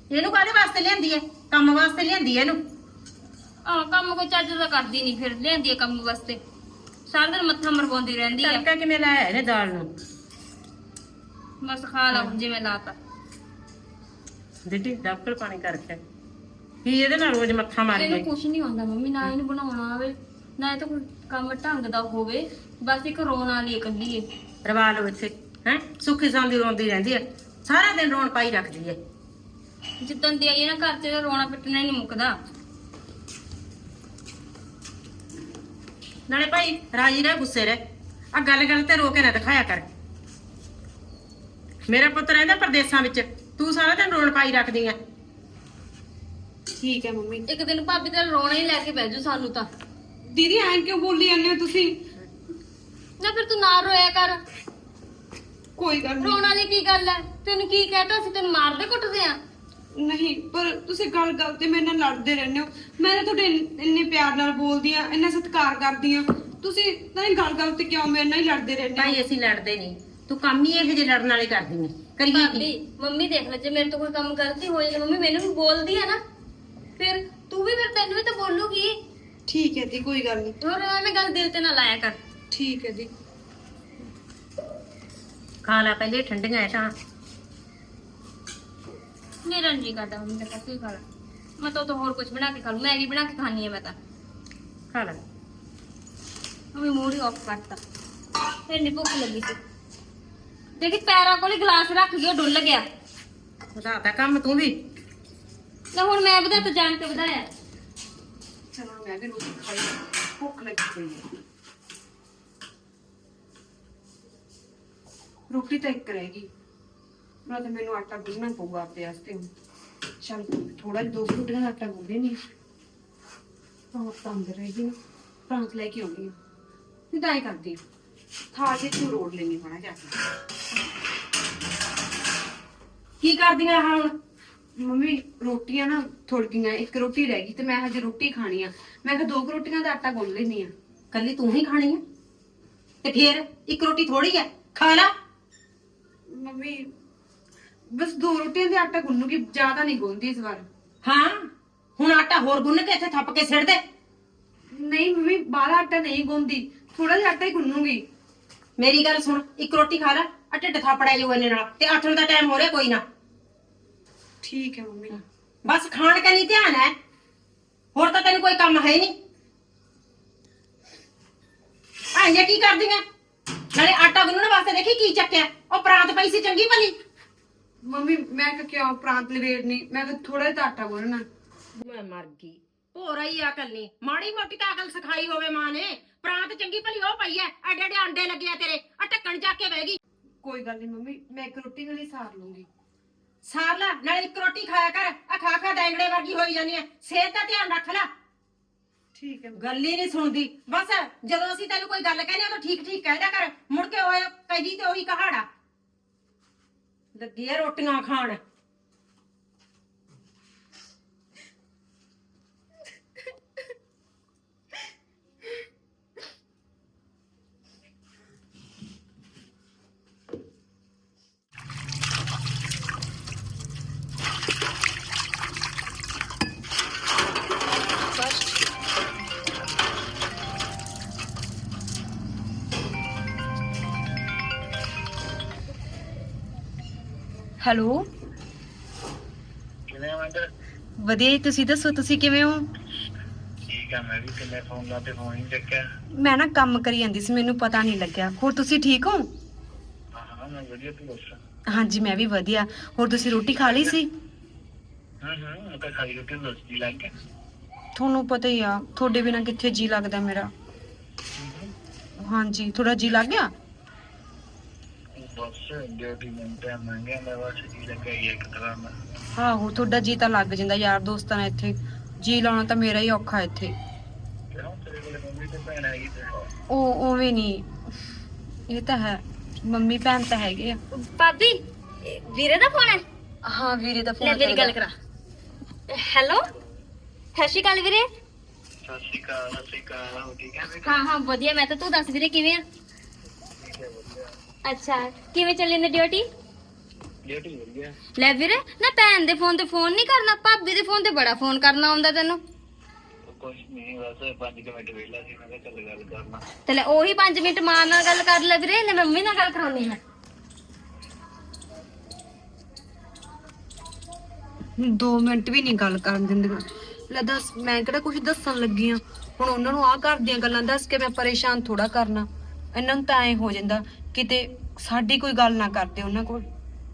Speaker 1: ਇਹਨੂੰ ਕਾਹਦੇ ਵਾਸਤੇ ਲਿਆਂਦੀ ਐ? ਕੰਮ ਵਾਸਤੇ ਲਿਆਂਦੀ ਐ ਇਹਨੂੰ।
Speaker 3: ਆ ਕੰਮ ਕੋਈ ਚੱਜ ਦਾ ਕਰਦੀ ਨਹੀਂ, ਫਿਰ ਲਿਆਂਦੀ ਆ ਕੰਮ ਵਾਸਤੇ। ਸਾਰਾ ਦਿਨ ਮੱਥਾ ਮਰਵਾਉਂਦੀ ਰਹਿੰਦੀ ਆ।
Speaker 1: ਤੜਕਾ ਕਿਵੇਂ ਲਾਇਆ ਇਹਨੇ ਦਾਲ ਨੂੰ?
Speaker 3: ਬਸ ਖਾ ਲਾ ਹੁਣ ਜਿਵੇਂ ਲਾਤਾ।
Speaker 1: ਦਿੱਤੀ ਡਾਕਟਰ ਪਾਣੀ ਕਰਕੇ ਕੀ ਇਹਦੇ ਨਾਲ ਰੋਜ਼ ਮੱਥਾ ਮਾਰੀ
Speaker 3: ਇਹਨੂੰ
Speaker 1: ਜਾਏ।
Speaker 3: ਕੁਛ ਨਹੀਂ ਆਉਂਦਾ ਮੰਮੀ, ਨਾ ਇਹਨੂੰ ਬਣਾਉਣਾ ਆਵੇ ਨਾ ਇਹ ਤਾਂ ਕੋਈ ਕੰਮ ਢੰਗ ਦਾ ਹੋਵੇ। ਬਸ ਇੱਕ ਰੋਣ ਵਾਲੀ ਇਕੱਲੀ ਏ।
Speaker 1: ਰਵਾ ਲਓ ਇੱਥੇ ਹੈ, ਸੁੱਖੀ ਸਾਂਦੀ ਰੋਂਦੀ ਰਹਿੰਦੀ ਐ, ਸਾਰਾ ਦਿਨ ਰੋਣ ਪਾਈ ਰੱਖਦੀ ਐ।
Speaker 3: ਜਿੱਦਣ ਦੀ ਆਈ ਹੈ ਨਾ ਘਰ ਚ ਰੋਣਾ ਪਿੱਟਣਾ ਹੀ ਨਹੀਂ ਮੁੱਕਦਾ।
Speaker 1: ਨਾਲੇ ਭਾਈ ਰਾਜੀ ਰਹਿ, ਗੁੱਸੇ ਰਹਿ, ਆ ਗੱਲ ਗੱਲ ਤੇ ਰੋ ਕੇ ਨਾ ਦਿਖਾਇਆ ਕਰ। ਮੇਰਾ ਪੁੱਤ ਰਹਿੰਦਾ ਪਰਦੇਸਾਂ ਵਿੱਚ, ਤੂੰ ਸਾਰਾ ਦਿਨ ਰੋਣ ਪਾਈ ਰੱਖਦੀ ਐ।
Speaker 2: ਠੀਕ ਹੈ ਮੰਮੀ।
Speaker 3: ਇੱਕ ਦਿਨ ਭਾਬੀ ਤਾਂ ਰੋਣਾ ਹੀ ਲੈ ਕੇ ਬਹਿ ਜੂ ਸਾਨੂੰ ਤਾਂ।
Speaker 2: ਦੀਦੀ ਐਂ ਕਿਉਂ ਬੋਲੀ ਜਾਂਦੇ ਹੋ ਤੁਸੀਂ?
Speaker 3: ਨਾ ਫਿਰ ਤੂੰ ਨਾ ਰੋਇਆ ਕਰ।
Speaker 2: ਕੋਈ ਗੱਲ ਨਹੀਂ।
Speaker 3: ਰੋਣ ਵਾਲੀ ਕੀ ਗੱਲ ਹੈ? ਤੈਨੂੰ ਕੀ ਕਹਿਤਾ ਸੀ? ਤੈਨੂੰ ਮਾਰਦੇ ਕੁੱਟਦੇ ਆ?
Speaker 2: ਨਹੀਂ, ਪਰ ਤੁਸੀਂ ਗੱਲ ਗੱਲ ਤੇ ਮੇਰੇ ਨਾਲ ਲੜਦੇ ਰਹਿੰਦੇ ਹੋ। ਮੈਂ ਤਾਂ ਤੁਹਾਡੇ ਇੰਨ- ਇੰਨੇ ਪਿਆਰ ਨਾਲ ਬੋਲਦੀ ਆ, ਇੰਨਾ ਸਤਿਕਾਰ ਕਰਦੀ ਆ, ਤੁਸੀਂ ਤਾਂ ਗੱਲ ਗੱਲ ਤੇ ਕਿਉਂ ਮੇਰੇ ਨਾਲ ਹੀ ਲੜਦੇ ਰਹਿੰਦੇ ਹੋ?
Speaker 1: ਭਾਈ ਅਸੀਂ ਲੜਦੇ ਨਹੀਂ, ਤੂੰ ਕੰਮ ਹੀ ਇਹੋ ਜਿਹੇ ਲੜਨ ਵਾਲੇ ਕਰਦੀ ਐ। ਕਰੀਏ
Speaker 3: ਭਾਬੀ
Speaker 1: ਕੀ?
Speaker 3: ਮੰਮੀ ਦੇਖ ਲੈ, ਜੇ ਮੇਰੇ ਤੋਂ ਕੋਈ ਕੰਮ ਗਲਤੀ ਹੋਈ ਤਾਂ ਮੰਮੀ ਮੈਨੂੰ ਵੀ ਬੋਲਦੀ ਆ ਨਾ, ਫਿਰ ਤੂੰ ਵੀ ਫਿਰ ਤੈਨੂੰ ਵੀ ਤਾਂ ਬੋਲੂਗੀ।
Speaker 2: ਠੀਕ ਹੈ ਜੀ, ਕੋਈ ਗੱਲ ਨਹੀਂ।
Speaker 3: ਹੋਰ ਐਵੇਂ ਗੱਲ ਦਿਲ ਤੇ ਨਾ ਲਾਇਆ ਕਰ।
Speaker 2: ਠੀਕ ਹੈ ਜੀ।
Speaker 1: ਖਾ ਲਾ ਪਹਿਲੇ ਠੰਡੀਆਂ ਐ ਤਾਂ।
Speaker 3: ਮੇਰਾ ਨਹੀਂ ਕਰਦਾ ਮੰਮੀ ਦਾ ਕੁਝ ਖਾ ਲਾ। ਮੈਂ ਤਾਂ ਉਦੋਂ ਹੋਰ ਕੁਝ ਬਣਾ ਕੇ ਖਾ ਲੂ, ਮੈਗੀ ਬਣਾ ਕੇ ਖਾਣੀ ਹੈ ਮੈਂ ਤਾਂ।
Speaker 1: ਖਾ ਲਾ।
Speaker 3: ਮੰਮੀ ਮੂਡ ਹੀ ਆਫ ਕਰਤਾ। ਫਿਰ ਨੀ ਭੁੱਖ ਲੱਗੀ ਸੀ। ਦੇਖੀ ਪੈਰਾਂ ਕੋਲੇ ਗਲਾਸ ਰੱਖ ਗਿਆ, ਡੁੱਲ ਗਿਆ।
Speaker 1: ਵਧਾਤਾ ਕੰਮ ਤੂੰ ਵੀ।
Speaker 3: ਨਾ ਹੁਣ ਮੈਂ ਵਧਾ ਤਾਂ ਜਾਣ ਕੇ ਵਧਾਇਆ।
Speaker 2: ਚਲੋ ਮੈਂ ਵੀ ਰੋਟੀ ਖਾਈ, ਭੁੱਖ ਲੱਗੀ ਪਈ ਹੈ। ਰੋਟੀ ਤਾਂ ਇੱਕ ਰਹੇਗੀ, ਨਾ ਤਾਂ ਮੈਨੂੰ ਆਟਾ ਗੁੰਨਣਾ ਪਊਗਾ ਆਪਣੇ ਵਾਸਤੇ ਹੁਣ। ਚਲ ਥੋੜਾ ਜਿਹਾ ਦੋ ਰੋਟੀਆਂ ਦਾ ਆਟਾ ਗੁੰਨ ਦੇਣੀ ਤਾਂ ਤਾਂ ਅੰਦਰ ਰਹੇਗੀ ਨਾ, ਪ੍ਰਾਂਤ ਲੈ ਕੇ ਆਉਣੀ ਆ। ਨਹੀਂ ਤਾਂ ਐਂ ਕਰਦੀ ਥਾਲ ਵਿੱਚ ਨੂੰ ਰੋੜ ਲੈਣੀ ਹੋਣਾ ਜਾ ਕੇ।
Speaker 1: ਕੀ ਕਰਦੀਆਂ ਆਹ ਹੁਣ?
Speaker 2: ਮੰਮੀ ਰੋਟੀਆਂ ਨਾ ਥੋੜ ਗਈਆਂ, ਇੱਕ ਰੋਟੀ ਰਹਿ ਗਈ ਤੇ ਮੈਂ ਹਜੇ ਰੋਟੀ ਖਾਣੀ ਆ। ਮੈਂ ਕਿਹਾ ਦੋ ਕੁ ਰੋਟੀਆਂ ਦਾ ਆਟਾ ਗੁੰਨ ਲੈਣੀ ਆ।
Speaker 1: ਕੱਲੀ ਤੂੰ ਹੀ ਖਾਣੀ ਐ ਤੇ ਫੇਰ ਇੱਕ ਰੋਟੀ ਥੋੜੀ ਐ, ਖਾ ਲਾ।
Speaker 2: ਮੰਮੀ ਬਸ ਦੋ ਰੋਟੀਆਂ ਦੇ ਆਟਾ ਗੁੰਨੂਗੀ, ਜ਼ਿਆਦਾ ਨਹੀਂ ਗੁੰਨਦੀ ਇਸ ਵਾਰ।
Speaker 1: ਹਾਂ ਹੁਣ ਆਟਾ ਹੋਰ ਗੁੰਨ ਕੇ ਇੱਥੇ ਥੱਪ ਕੇ ਸਿੱਟ ਦੇ।
Speaker 2: ਨਹੀਂ ਮੰਮੀ, ਬਾਹਲਾ ਆਟਾ ਨਹੀਂ ਗੁੰਨਦੀ, ਥੋੜਾ ਜਿਹਾ ਆਟਾ ਹੀ ਗੁੰਨੂਗੀ।
Speaker 1: ਮੇਰੀ ਗੱਲ ਸੁਣ, ਇੱਕ ਰੋਟੀ ਖਾ ਲੈ, ਆ ਢਿੱਡ ਥਾਪੜਾ ਜਾਊ ਇਹਨੇ ਨਾਲ, ਤੇ ਆਥਣ ਦਾ ਟਾਈਮ ਹੋ ਰਿਹਾ ਕੋਈ ਨਾ।
Speaker 2: ਠੀਕ ਹੈ ਮੰਮੀ।
Speaker 1: ਬਸ ਖਾਣ ਕੇ ਨਹੀਂ ਧਿਆਨ ਹੈ, ਹੋਰ ਤਾਂ ਤੈਨੂੰ ਕੋਈ ਕੰਮ ਹੈ ਨਹੀਂ। ਆਂਜੇ ਕੀ ਕਰਦੀਆਂ? ਨਾਲੇ ਆਟਾ ਗੁੰਨਣ ਵਾਸਤੇ ਦੇਖੀ ਕੀ ਚੱਕਿਆ, ਉਹ ਪਰਾਂਤ ਪਈ ਸੀ ਚੰਗੀ ਭਲੀ।
Speaker 2: ਮੰਮੀ ਮੈਂ ਕਿਹਾ ਕਿਉਂ ਪ੍ਰਾਂਤ ਲਵੇੜਨੀ, ਮੈਂ ਕਿਹਾ ਥੋੜਾ ਜਿਹਾ ਆਟਾ ਗੁੰਨਣਾ।
Speaker 1: ਮੈਂ ਮਰ ਗਈ, ਭੋਰਾ ਹੀ ਅਕਲ ਨਹੀਂ, ਮਾੜੀ ਮੋਟੀ ਤਾਂ ਅਕਲ ਸਿਖਾਈ ਹੋਵੇ ਮਾਂ ਨੇ। ਪ੍ਰਾਂਤ ਚੰਗੀ ਭਲੀ ਉਹ ਪਈ ਐ, ਐਡੇ ਐਡੇ ਅੰਡੇ ਲੱਗੇ ਆ ਤੇਰੇ, ਆ ਢੱਕਣ ਚੱਕ ਕੇ ਬਹਿ ਗਈ।
Speaker 2: ਕੋਈ ਗੱਲ ਨਹੀਂ ਮੰਮੀ, ਮੈਂ ਇੱਕ ਰੋਟੀ ਨਾਲ ਹੀ ਸਾਰ ਲੂੰਗੀ।
Speaker 1: ਸਾਰ ਲੈ, ਨਾਲੇ ਇੱਕ ਰੋਟੀ ਖਾਇਆ ਕਰ, ਆ ਖਾ ਖਾ ਡੈਂਗੜੇ ਵਰਗੀ ਹੋਈ ਜਾਂਦੀ ਐ। ਸਿਹਤ ਦਾ ਧਿਆਨ ਰੱਖ ਲੈ।
Speaker 2: ਠੀਕ ਹੈ
Speaker 1: ਗੱਲ ਹੀ ਨਹੀਂ ਸੁਣਦੀ। ਬਸ ਜਦੋਂ ਅਸੀਂ ਤੈਨੂੰ ਕੋਈ ਗੱਲ ਕਹਿੰਦੇ ਆ ਤਾਂ ਠੀਕ ਠੀਕ ਕਹਿ ਦਿਆ ਕਰ, ਮੁੜ ਕੇ ਓਏ ਕਹੀ ਤੇ ਉਹੀ ਕਹਾੜਾ ਲੱਗੀ ਆ ਰੋਟੀਆਂ ਖਾਣ।
Speaker 2: ਹੈਲੋ,
Speaker 4: ਕਿਵੇਂ ਆ ਮੰਦਰ?
Speaker 2: ਵਧੀਆ ਜੀ, ਤੁਸੀਂ ਦੱਸੋ ਤੁਸੀਂ ਕਿਵੇਂ ਹੋ?
Speaker 4: ਠੀਕ ਆ, ਮੈਂ ਵੀ ਕਿੰਨੇ ਫੋਨ ਲਾਤੇ, ਫੋਨ ਹੀ ਚੱਕਿਆ।
Speaker 2: ਮੈਂ ਨਾ ਕੰਮ ਕਰੀ ਜਾਂਦੀ ਸੀ, ਮੈਨੂੰ ਪਤਾ ਨਹੀਂ ਲੱਗਿਆ। ਹੋਰ ਤੁਸੀਂ ਠੀਕ ਹੋ?
Speaker 4: ਹਾਂ ਹਾਂ ਮੈਂ ਵਧੀਆ, ਤੂੰ ਦੱਸ।
Speaker 2: ਹਾਂਜੀ ਮੈਂ ਵੀ ਵਧੀਆ। ਹੋਰ ਤੁਸੀਂ ਰੋਟੀ ਖਾ ਲਈ ਸੀ?
Speaker 4: ਹੂੰ ਹੂੰ ਮੈਂ ਤਾਂ ਖਾਈ ਰੋਟੀ, ਦੱਸ ਜੀ ਲੱਗ ਗਿਆ।
Speaker 2: ਤੁਹਾਨੂੰ ਪਤਾ ਹੀ ਆ, ਤੁਹਾਡੇ ਬਿਨਾ ਕਿੱਥੇ ਜੀ ਲੱਗਦਾ ਮੇਰਾ। ਹਾਂਜੀ, ਥੋੜਾ ਜੀ ਲੱਗ ਗਿਆ।
Speaker 4: ਬਸ ਡਿਊਟੀ ਮੈਂ ਟਾਈਮ ਮੰਗਿਆ, ਮੈਂ ਬਸ ਜੀ ਲੱਗਾ ਹੀ ਇੱਕ ਤਰ੍ਹਾਂ ਦਾ।
Speaker 2: ਆਹੋ, ਤੁਹਾਡਾ ਜੀ ਤਾਂ ਲੱਗ ਜਾਂਦਾ ਯਾਰ ਦੋਸਤਾਂ ਨਾਲ। ਇੱਥੇ ਜੀ ਲਾਉਣਾ ਤਾਂ ਮੇਰਾ ਹੀ ਔਖਾ ਇੱਥੇ।
Speaker 4: ਕਿਉਂ ਤੇਰੇ ਕੋਲ ਮੰਮੀ ਤੇ ਭੈਣ ਹੈਗੀ ਤੇ?
Speaker 2: ਉਹ ਉਵੇਂ ਨਹੀਂ, ਇਹ ਤਾਂ ਹੈ, ਮੰਮੀ ਭੈਣ ਤਾਂ ਹੈਗੇ ਆ।
Speaker 3: ਭਾਬੀ ਵੀਰੇ ਦਾ ਫੋਨ ਹੈ?
Speaker 2: ਹਾਂ ਵੀਰੇ ਦਾ ਫੋਨ।
Speaker 3: ਲੈ ਮੇਰੀ ਗੱਲ ਕਰਾ। ਹੈਲੋ, ਸਤਿ ਸ਼੍ਰੀ ਅਕਾਲ ਵੀਰੇ।
Speaker 4: ਸਤਿ ਸ਼੍ਰੀ ਅਕਾਲ, ਸਤਿ ਸ਼੍ਰੀ ਅਕਾਲ। ਹੋ ਠੀਕ ਹੈ?
Speaker 3: ਹਾਂ ਹਾਂ ਵਧੀਆ, ਮੈਂ ਤਾਂ। ਤੂੰ ਦੱਸ ਵੀਰੇ ਕਿਵੇਂ ਆ?
Speaker 4: ਠੀਕ ਹੈ, ਵਧੀਆ।
Speaker 3: ਅੱਛਾ, ਕਿਵੇਂ ਚੱਲੀ ਨੇ ਡਿਊਟੀ?
Speaker 4: ਡਿਊਟੀ ਵਧੀਆ।
Speaker 3: ਲੈ ਵੀਰੇ ਨਾ ਭੈਣ ਦੇ ਫੋਨ ਤੇ ਫੋਨ ਨਹੀਂ ਕਰਨਾ, ਭਾਬੀ ਦੇ ਫੋਨ ਤੇ ਬੜਾ ਫੋਨ ਕਰਨਾ ਆਉਂਦਾ ਤੈਨੂੰ।
Speaker 4: ਕੁਛ ਨਹੀਂ, ਬਸ ਪੰਜ ਕੁ ਮਿੰਟ ਵਿਹਲਾ ਸੀ, ਮੈਂ ਕਿਹਾ ਚੱਲ ਗੱਲ ਕਰਨਾ।
Speaker 3: ਤੇ ਲੈ ਉਹੀ ਪੰਜ ਮਿੰਟ ਮਾਂ ਨਾਲ ਗੱਲ ਕਰ ਲੈ ਵੀਰੇ, ਲੈ ਮੰਮੀ ਨਾਲ ਗੱਲ ਕਰਾਉਣੀ ਹੈ।
Speaker 2: ਦੋ ਮਿੰਟ ਵੀ ਨਹੀਂ ਗੱਲ ਕਰਨ ਦਿੰਦੀਆਂ। ਲੈ ਦੱਸ, ਮੈਂ ਕਿਹੜਾ ਕੁਝ ਦੱਸਣ ਲੱਗੀ ਆ। ਹੁਣ ਉਹਨਾਂ ਨੂੰ ਆਹ ਘਰ ਦੀਆਂ ਗੱਲਾਂ ਦੱਸ ਕੇ ਮੈਂ ਪਰੇਸ਼ਾਨ ਥੋੜਾ ਕਰਨਾ। ਇਹਨਾਂ ਨੂੰ ਤਾਂ ਐ ਹੋ ਜਾਂਦਾ ਕਿਤੇ ਸਾਡੀ ਕੋਈ ਗੱਲ ਨਾ ਕਰਦੇ ਉਹਨਾਂ ਕੋਲ।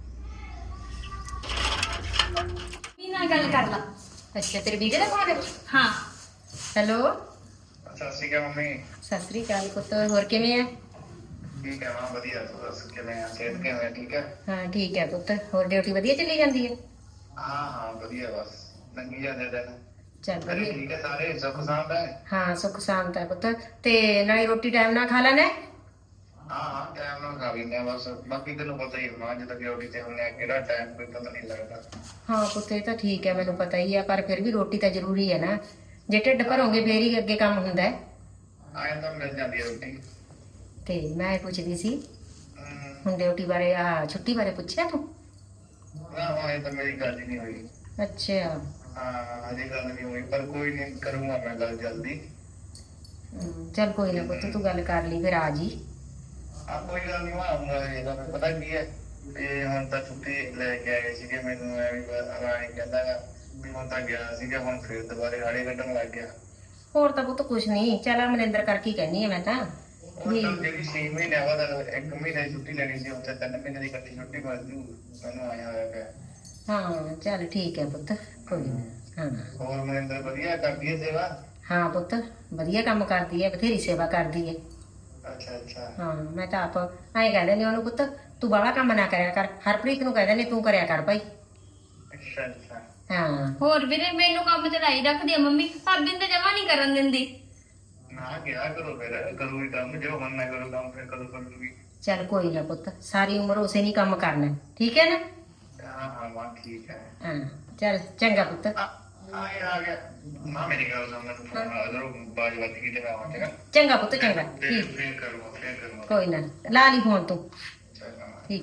Speaker 3: ਮੰਮੀ ਨਾਲ ਗੱਲ ਕਰ ਲਾ।
Speaker 1: ਅੱਛਾ ਤੇਰੇ ਵੀਰੇ ਦਾ ਫੋਨ ਹੈ?
Speaker 3: ਹਾਂ
Speaker 1: ਹੈਲੋ
Speaker 4: ਸਤਿ ਸ਼੍ਰੀ ਅਕਾਲ ਮੰਮੀ।
Speaker 1: ਸਤਿ ਸ੍ਰੀ ਅਕਾਲ ਪੁੱਤ, ਹੋਰ ਕਿਵੇਂ ਆ?
Speaker 4: ਠੀਕ ਹੈ ਮਾਂ, ਵਧੀਆ। ਤੂੰ ਦੱਸ ਕਿਵੇਂ ਆ? ਸਿਹਤ ਕਿਵੇਂ ਆ? ਠੀਕ ਹੈ?
Speaker 1: ਹਾਂ ਠੀਕ ਹੈ ਪੁੱਤ, ਹੋਰ ਡਿਊਟੀ ਵਧੀਆ ਚੱਲੀ ਜਾਂਦੀ ਹੈ?
Speaker 4: ਹਾਂ ਹਾਂ ਵਧੀਆ, ਬਸ ਲੰਘੀ ਜਾਂਦੇ ਦਿਨ।
Speaker 1: ਚੱਲ
Speaker 4: ਘਰੇ
Speaker 1: ਵਧੀਆ।
Speaker 4: ਠੀਕ ਹੈ ਸਾਰੇ? ਸੁੱਖ ਸਾਂਦ ਹੈ?
Speaker 1: ਹਾਂ ਸੁੱਖ ਸ਼ਾਂਤ ਹੈ ਪੁੱਤ। ਤੇ ਨਾਲੇ ਰੋਟੀ ਟਾਈਮ ਨਾਲ ਖਾ ਲੈਣਾ?
Speaker 4: ਹਾਂ ਹਾਂ ਟਾਈਮ ਨਾਲ ਖਾ ਲੈਂਦੇ ਆ ਬਸ। ਬਾਕੀ ਤੈਨੂੰ ਪਤਾ ਹੀ ਮਾਂ, ਜਦੋਂ ਡਿਊਟੀ ਤੇ ਹੁੰਦੇ ਆ ਕਿਹੜਾ ਟਾਈਮ ਕੋਈ ਪਤਾ ਨਹੀਂ ਲੱਗਦਾ।
Speaker 1: ਹਾਂ ਪੁੱਤ ਇਹ ਤਾਂ ਠੀਕ ਹੈ, ਮੈਨੂੰ ਪਤਾ ਹੀ ਆ, ਪਰ ਫਿਰ ਵੀ ਰੋਟੀ ਤਾਂ ਜ਼ਰੂਰੀ ਹੈ ਨਾ। ਜੇ ਢਿੱਡ ਭਰੋਗੇ ਫੇਰ ਹੀ ਅੱਗੇ ਕੰਮ ਹੁੰਦਾ ਹੈ।
Speaker 4: ਆਏ ਤਾਂ ਮਿਲ ਜਾਂਦੀ ਹੈ ਰੋਟੀ।
Speaker 1: ਤੇ ਮੈਂ ਇਹ ਪੁੱਛਦੀ ਸੀ
Speaker 4: ਹਮ,
Speaker 1: ਹੁਣ ਡਿਊਟੀ ਬਾਰੇ, ਆ ਛੁੱਟੀ ਬਾਰੇ ਪੁੱਛਿਆ ਤੂੰ?
Speaker 4: ਨਾ ਹਾਂ ਇਹ ਤਾਂ ਮੇਰੀ ਗੱਲ ਹੀ ਨਹੀਂ ਹੋਈ।
Speaker 1: ਅੱਛਾ
Speaker 4: ਹਾਂ ਅਜੇ ਗੱਲ ਨਹੀਂ ਹੋਈ, ਪਰ ਕੋਈ ਨਹੀਂ, ਕਰੂੰਗਾ ਮੈਂ ਗੱਲ ਜਲਦੀ।
Speaker 1: ਹਮ, ਚੱਲ ਕੋਈ ਨਾ ਪੁੱਤ, ਤੂੰ ਗੱਲ ਕਰ ਲਈ ਫਿਰ ਆ ਜੀ।
Speaker 4: ਆ ਕੋਈ ਗੱਲ ਨਹੀਂ, ਮੈਂ ਆਉਂਗਾ। ਇਹਦਾ ਮੈਨੂੰ ਪਤਾ ਕੀ ਹੈ, ਇਹ ਹੁਣ ਤਾਂ ਛੁੱਟੀ ਲੈ ਕੇ ਆਏ ਸੀਗੇ, ਮੈਨੂੰ ਐਵੇਂ ਰਾਣੀ ਕਹਿੰਦਾ ਗਾ ਵੀ ਹੁਣ ਤਾਂ ਗਿਆ ਸੀਗਾ, ਹੁਣ ਫਿਰ ਦੁਬਾਰੇ ਹਾੜੇ ਕੱਢਣ ਲੱਗ ਗਿਆ।
Speaker 1: ਹੋਰ ਤਾਂ ਪੁੱਤ ਕੁਛ ਨਹੀਂ, ਚੱਲ ਮਨਿੰਦਰ ਕਰਕੇ ਹੀ ਕਹਿੰਦੀ ਆ ਮੈਂ ਤਾਂ
Speaker 4: ਹੁਣ
Speaker 1: ਵੀ।
Speaker 4: ਤਾਂ ਜਿਹੜੀ ਛੇ ਮਹੀਨੇ ਬਾਅਦ ਇੱਕ ਮਹੀਨੇ ਦੀ ਛੁੱਟੀ ਲੈਣੀ ਸੀ, ਉੱਥੇ ਤਿੰਨ ਮਹੀਨੇ ਦੀ ਇਕੱਠੀ ਛੁੱਟੀ ਮਿਲ ਜੂ, ਮੈਨੂੰ ਆਇਆ ਹੋਇਆ ਪਿਆ।
Speaker 1: ਹਾਂ ਚੱਲ ਠੀਕ ਹੈ ਪੁੱਤ, ਕੋਈ ਨਾ। ਹਾਂ
Speaker 4: ਹੋਰ ਮਨਿੰਦਰ ਵਧੀਆ ਕਰਦੀ ਹੈ ਸੇਵਾ?
Speaker 1: ਹਾਂ ਪੁੱਤ ਵਧੀਆ ਕੰਮ ਕਰਦੀ ਹੈ, ਬਥੇਰੀ ਸੇਵਾ ਕਰਦੀ ਹੈ।
Speaker 4: ਅੱਛਾ ਅੱਛਾ।
Speaker 1: ਹਾਂ ਮੈਂ ਤਾਂ ਆਪ ਐਂ ਕਹਿ ਦਿੰਦੀ ਉਹਨੂੰ, ਪੁੱਤ ਤੂੰ ਬਾਹਲਾ ਕੰਮ ਨਾ ਕਰਿਆ ਕਰ, ਹਰਪ੍ਰੀਤ ਨੂੰ ਕਹਿ ਦਿੰਦੀ ਤੂੰ ਕਰਿਆ ਕਰ ਭਾਈ।
Speaker 4: ਅੱਛਾ ਅੱਛਾ।
Speaker 1: ਹਾਂ
Speaker 3: ਹੋਰ ਵੀਰੇ ਮੈਨੂੰ ਕੰਮ ਤੇ ਲਾਈ ਰੱਖਦੀ ਆ ਮੰਮੀ, ਭਾਬੀ ਨੂੰ ਤਾਂ ਜਮਾ ਨਹੀਂ ਕਰਨ ਦਿੰਦੀ।
Speaker 4: ਨਾ ਕਿਹਾ ਕਰੋ ਫਿਰ, ਕਰੂਗੀ ਕੰਮ, ਜੋ ਮਨ ਨਾ ਕਰੋ ਕੰਮ ਫਿਰ ਕਦੋਂ ਕਰੂਗੀ।
Speaker 1: ਚੱਲ ਕੋਈ ਨਾ ਪੁੱਤ, ਸਾਰੀ ਉਮਰ ਉਸੇ ਨਹੀਂ ਕੰਮ ਕਰਨਾ, ਠੀਕ ਹੈ ਨਾ?
Speaker 4: ਹਾਂ ਹਾਂ ਮਾਂ ਠੀਕ ਹੈ।
Speaker 1: ਹਾਂ ਚੱਲ ਚੰਗਾ ਪੁੱਤ।
Speaker 4: ਆ ਆ ਗਿਆ ਆ ਗਿਆ ਮਾਂ, ਮੇਰੀ ਗੱਲ ਸੁਣ, ਮੈਨੂੰ ਫੋਨ ਆ ਜਦੋਂ ਬਾਜ ਵੱਜ ਗਈ ਤੇ ਮੈਂ ਆਵਾਂ ਚੰਗਾ।
Speaker 1: ਚੰਗਾ ਪੁੱਤ ਚੰਗਾ,
Speaker 4: ਫਿਰ
Speaker 1: ਠੀਕ,
Speaker 4: ਫਿਰ ਕਰੂੰਗਾ ਫਿਰ ਕਰੂੰਗਾ।
Speaker 1: ਕੋਈ ਨਾ ਲਾ ਲਈ ਫੋਨ ਤੂੰ,
Speaker 4: ਚੰਗਾ।
Speaker 1: ਠੀਕ।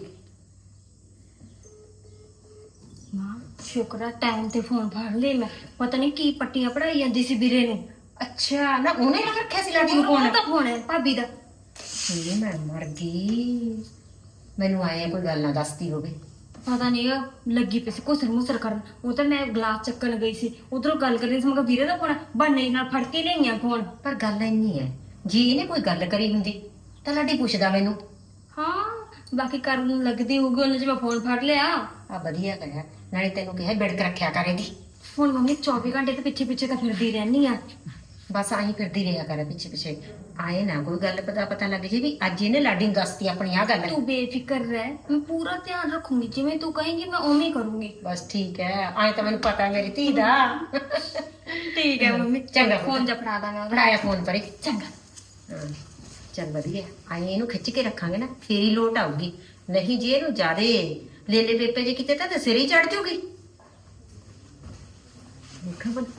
Speaker 3: ਮਾਂ ਸ਼ੁਕਰ ਆ ਟਾਈਮ ਤੇ ਫੋਨ ਫੜ ਲਈ ਮੈਂ, ਪਤਾ ਨਹੀਂ ਕੀ ਪੱਟੀਆਂ ਪੜਾਈ ਜਾਂਦੀ ਸੀ ਵੀਰੇ ਨੂੰ।
Speaker 1: ਅੱਛਾ ਨਾ ਉਹਨੇ ਲਾ ਰੱਖਿਆ ਸੀ ਲਾਡੀ ਨੂੰ
Speaker 3: ਉਹਦਾ
Speaker 1: ਫੋਨ?
Speaker 3: ਤਾਂ ਫੋਨ ਹੈ ਭਾਬੀ ਦਾ।
Speaker 1: ਇਹ ਮੈਂ ਮਰ ਗਈ, ਮੈਨੂੰ ਆਏ ਕੋਈ ਗੱਲ ਨਾ ਦੱਸਦੀ ਹੋਵੇ।
Speaker 3: ਪਤਾ ਨਹੀਂ ਲੱਗੀ ਪਈ ਸੀ ਘੁਸਰ ਮੁਸਰ ਕਰਨ, ਉਹ ਤਾਂ ਮੈਂ ਗਲਾਸ ਚੱਕਣ ਗਈ ਸੀ, ਉਧਰੋਂ ਗੱਲ ਕਰਨੀ ਸੀ, ਮੈਂ ਕਿਹਾ ਵੀਰੇ ਦਾ ਫੋਨ ਬਹਾਨੇ ਨਾਲ ਫੜ ਕੇ ਲਿਆਈਆਂ ਫੋਨ।
Speaker 1: ਪਰ ਗੱਲ ਇੰਨੀ ਹੈ, ਜੇ ਇਹਨੇ ਕੋਈ ਗੱਲ ਕਰੀ ਹੁੰਦੀ ਤਾਂ ਲਾਡੀ ਪੁੱਛਦਾ ਮੈਨੂੰ।
Speaker 3: ਹਾਂ ਬਾਕੀ ਕਰਨ ਲੱਗਦੀ ਹੋਊਗੀ ਉਹਨੇ, ਜੇ ਮੈਂ ਫੋਨ ਫੜ ਲਿਆ।
Speaker 1: ਆ ਵਧੀਆ ਕਰਿਆ, ਨਾਲੇ ਤੈਨੂੰ ਕਿਹਾ ਬਿੜਕ ਰੱਖਿਆ ਕਰੇਗੀ।
Speaker 3: ਹੁਣ ਮੰਮੀ ਚੌਵੀ ਘੰਟੇ ਤੇ ਪਿੱਛੇ ਪਿੱਛੇ ਤਾਂ ਫਿਰਦੀ ਰਹਿਣੀ ਆ।
Speaker 1: ਬਸ ਆਹੀ ਫਿਰਦੀ ਰਿਹਾ ਕਰ ਪਿੱਛੇ ਪਿੱਛੇ, ਆਏ ਨਾ ਕੋਈ ਗੱਲ ਪਤਾ ਪਤਾ ਲੱਗ ਜੇ ਵੀ ਅੱਜ ਇਹਨੇ ਲਾਡੀ ਨੂੰ ਦੱਸਤੀ ਆਪਣੀ ਆ ਗੱਲ।
Speaker 3: ਤੂੰ ਬੇਫਿਕਰ ਰਹਿ, ਮੈਂ ਪੂਰਾ ਧਿਆਨ ਰੱਖੂੰਗੀ, ਜਿਵੇਂ ਤੂੰ ਕਹੇਂਗੀ ਮੈਂ ਉਵੇਂ ਹੀ ਕਰੂੰਗੀ।
Speaker 1: ਬਸ ਠੀਕ ਹੈ, ਆਏ ਤਾਂ ਮੈਨੂੰ ਪਤਾ ਮੇਰੀ ਧੀ ਦਾ।
Speaker 3: ਠੀਕ ਹੈ ਮੰਮੀ,
Speaker 1: ਚੰਗਾ
Speaker 3: ਫੋਨ ਜਾ ਫੜਾ ਦਾਂਗਾ।
Speaker 1: ਫੜਾਇਆ ਫੋਨ ਪਰੇ।
Speaker 3: ਚੰਗਾ।
Speaker 1: ਹਾਂ ਚੱਲ ਵਧੀਆ, ਆਏ ਇਹਨੂੰ ਖਿੱਚ ਕੇ ਰੱਖਾਂਗੇ ਨਾ ਫੇਰ ਹੀ ਲੋਟ ਆਊਗੀ, ਨਹੀਂ ਜੇ ਇਹਨੂੰ ਜ਼ਿਆਦੇ ਲੇਲੇ ਪੇਪੇ ਜੇ ਕਿਤੇ ਤਾਂ ਸਿਰ ਹੀ ਚੜ ਜੂਗੀ। ਦੇਖਾਂ ਬਣ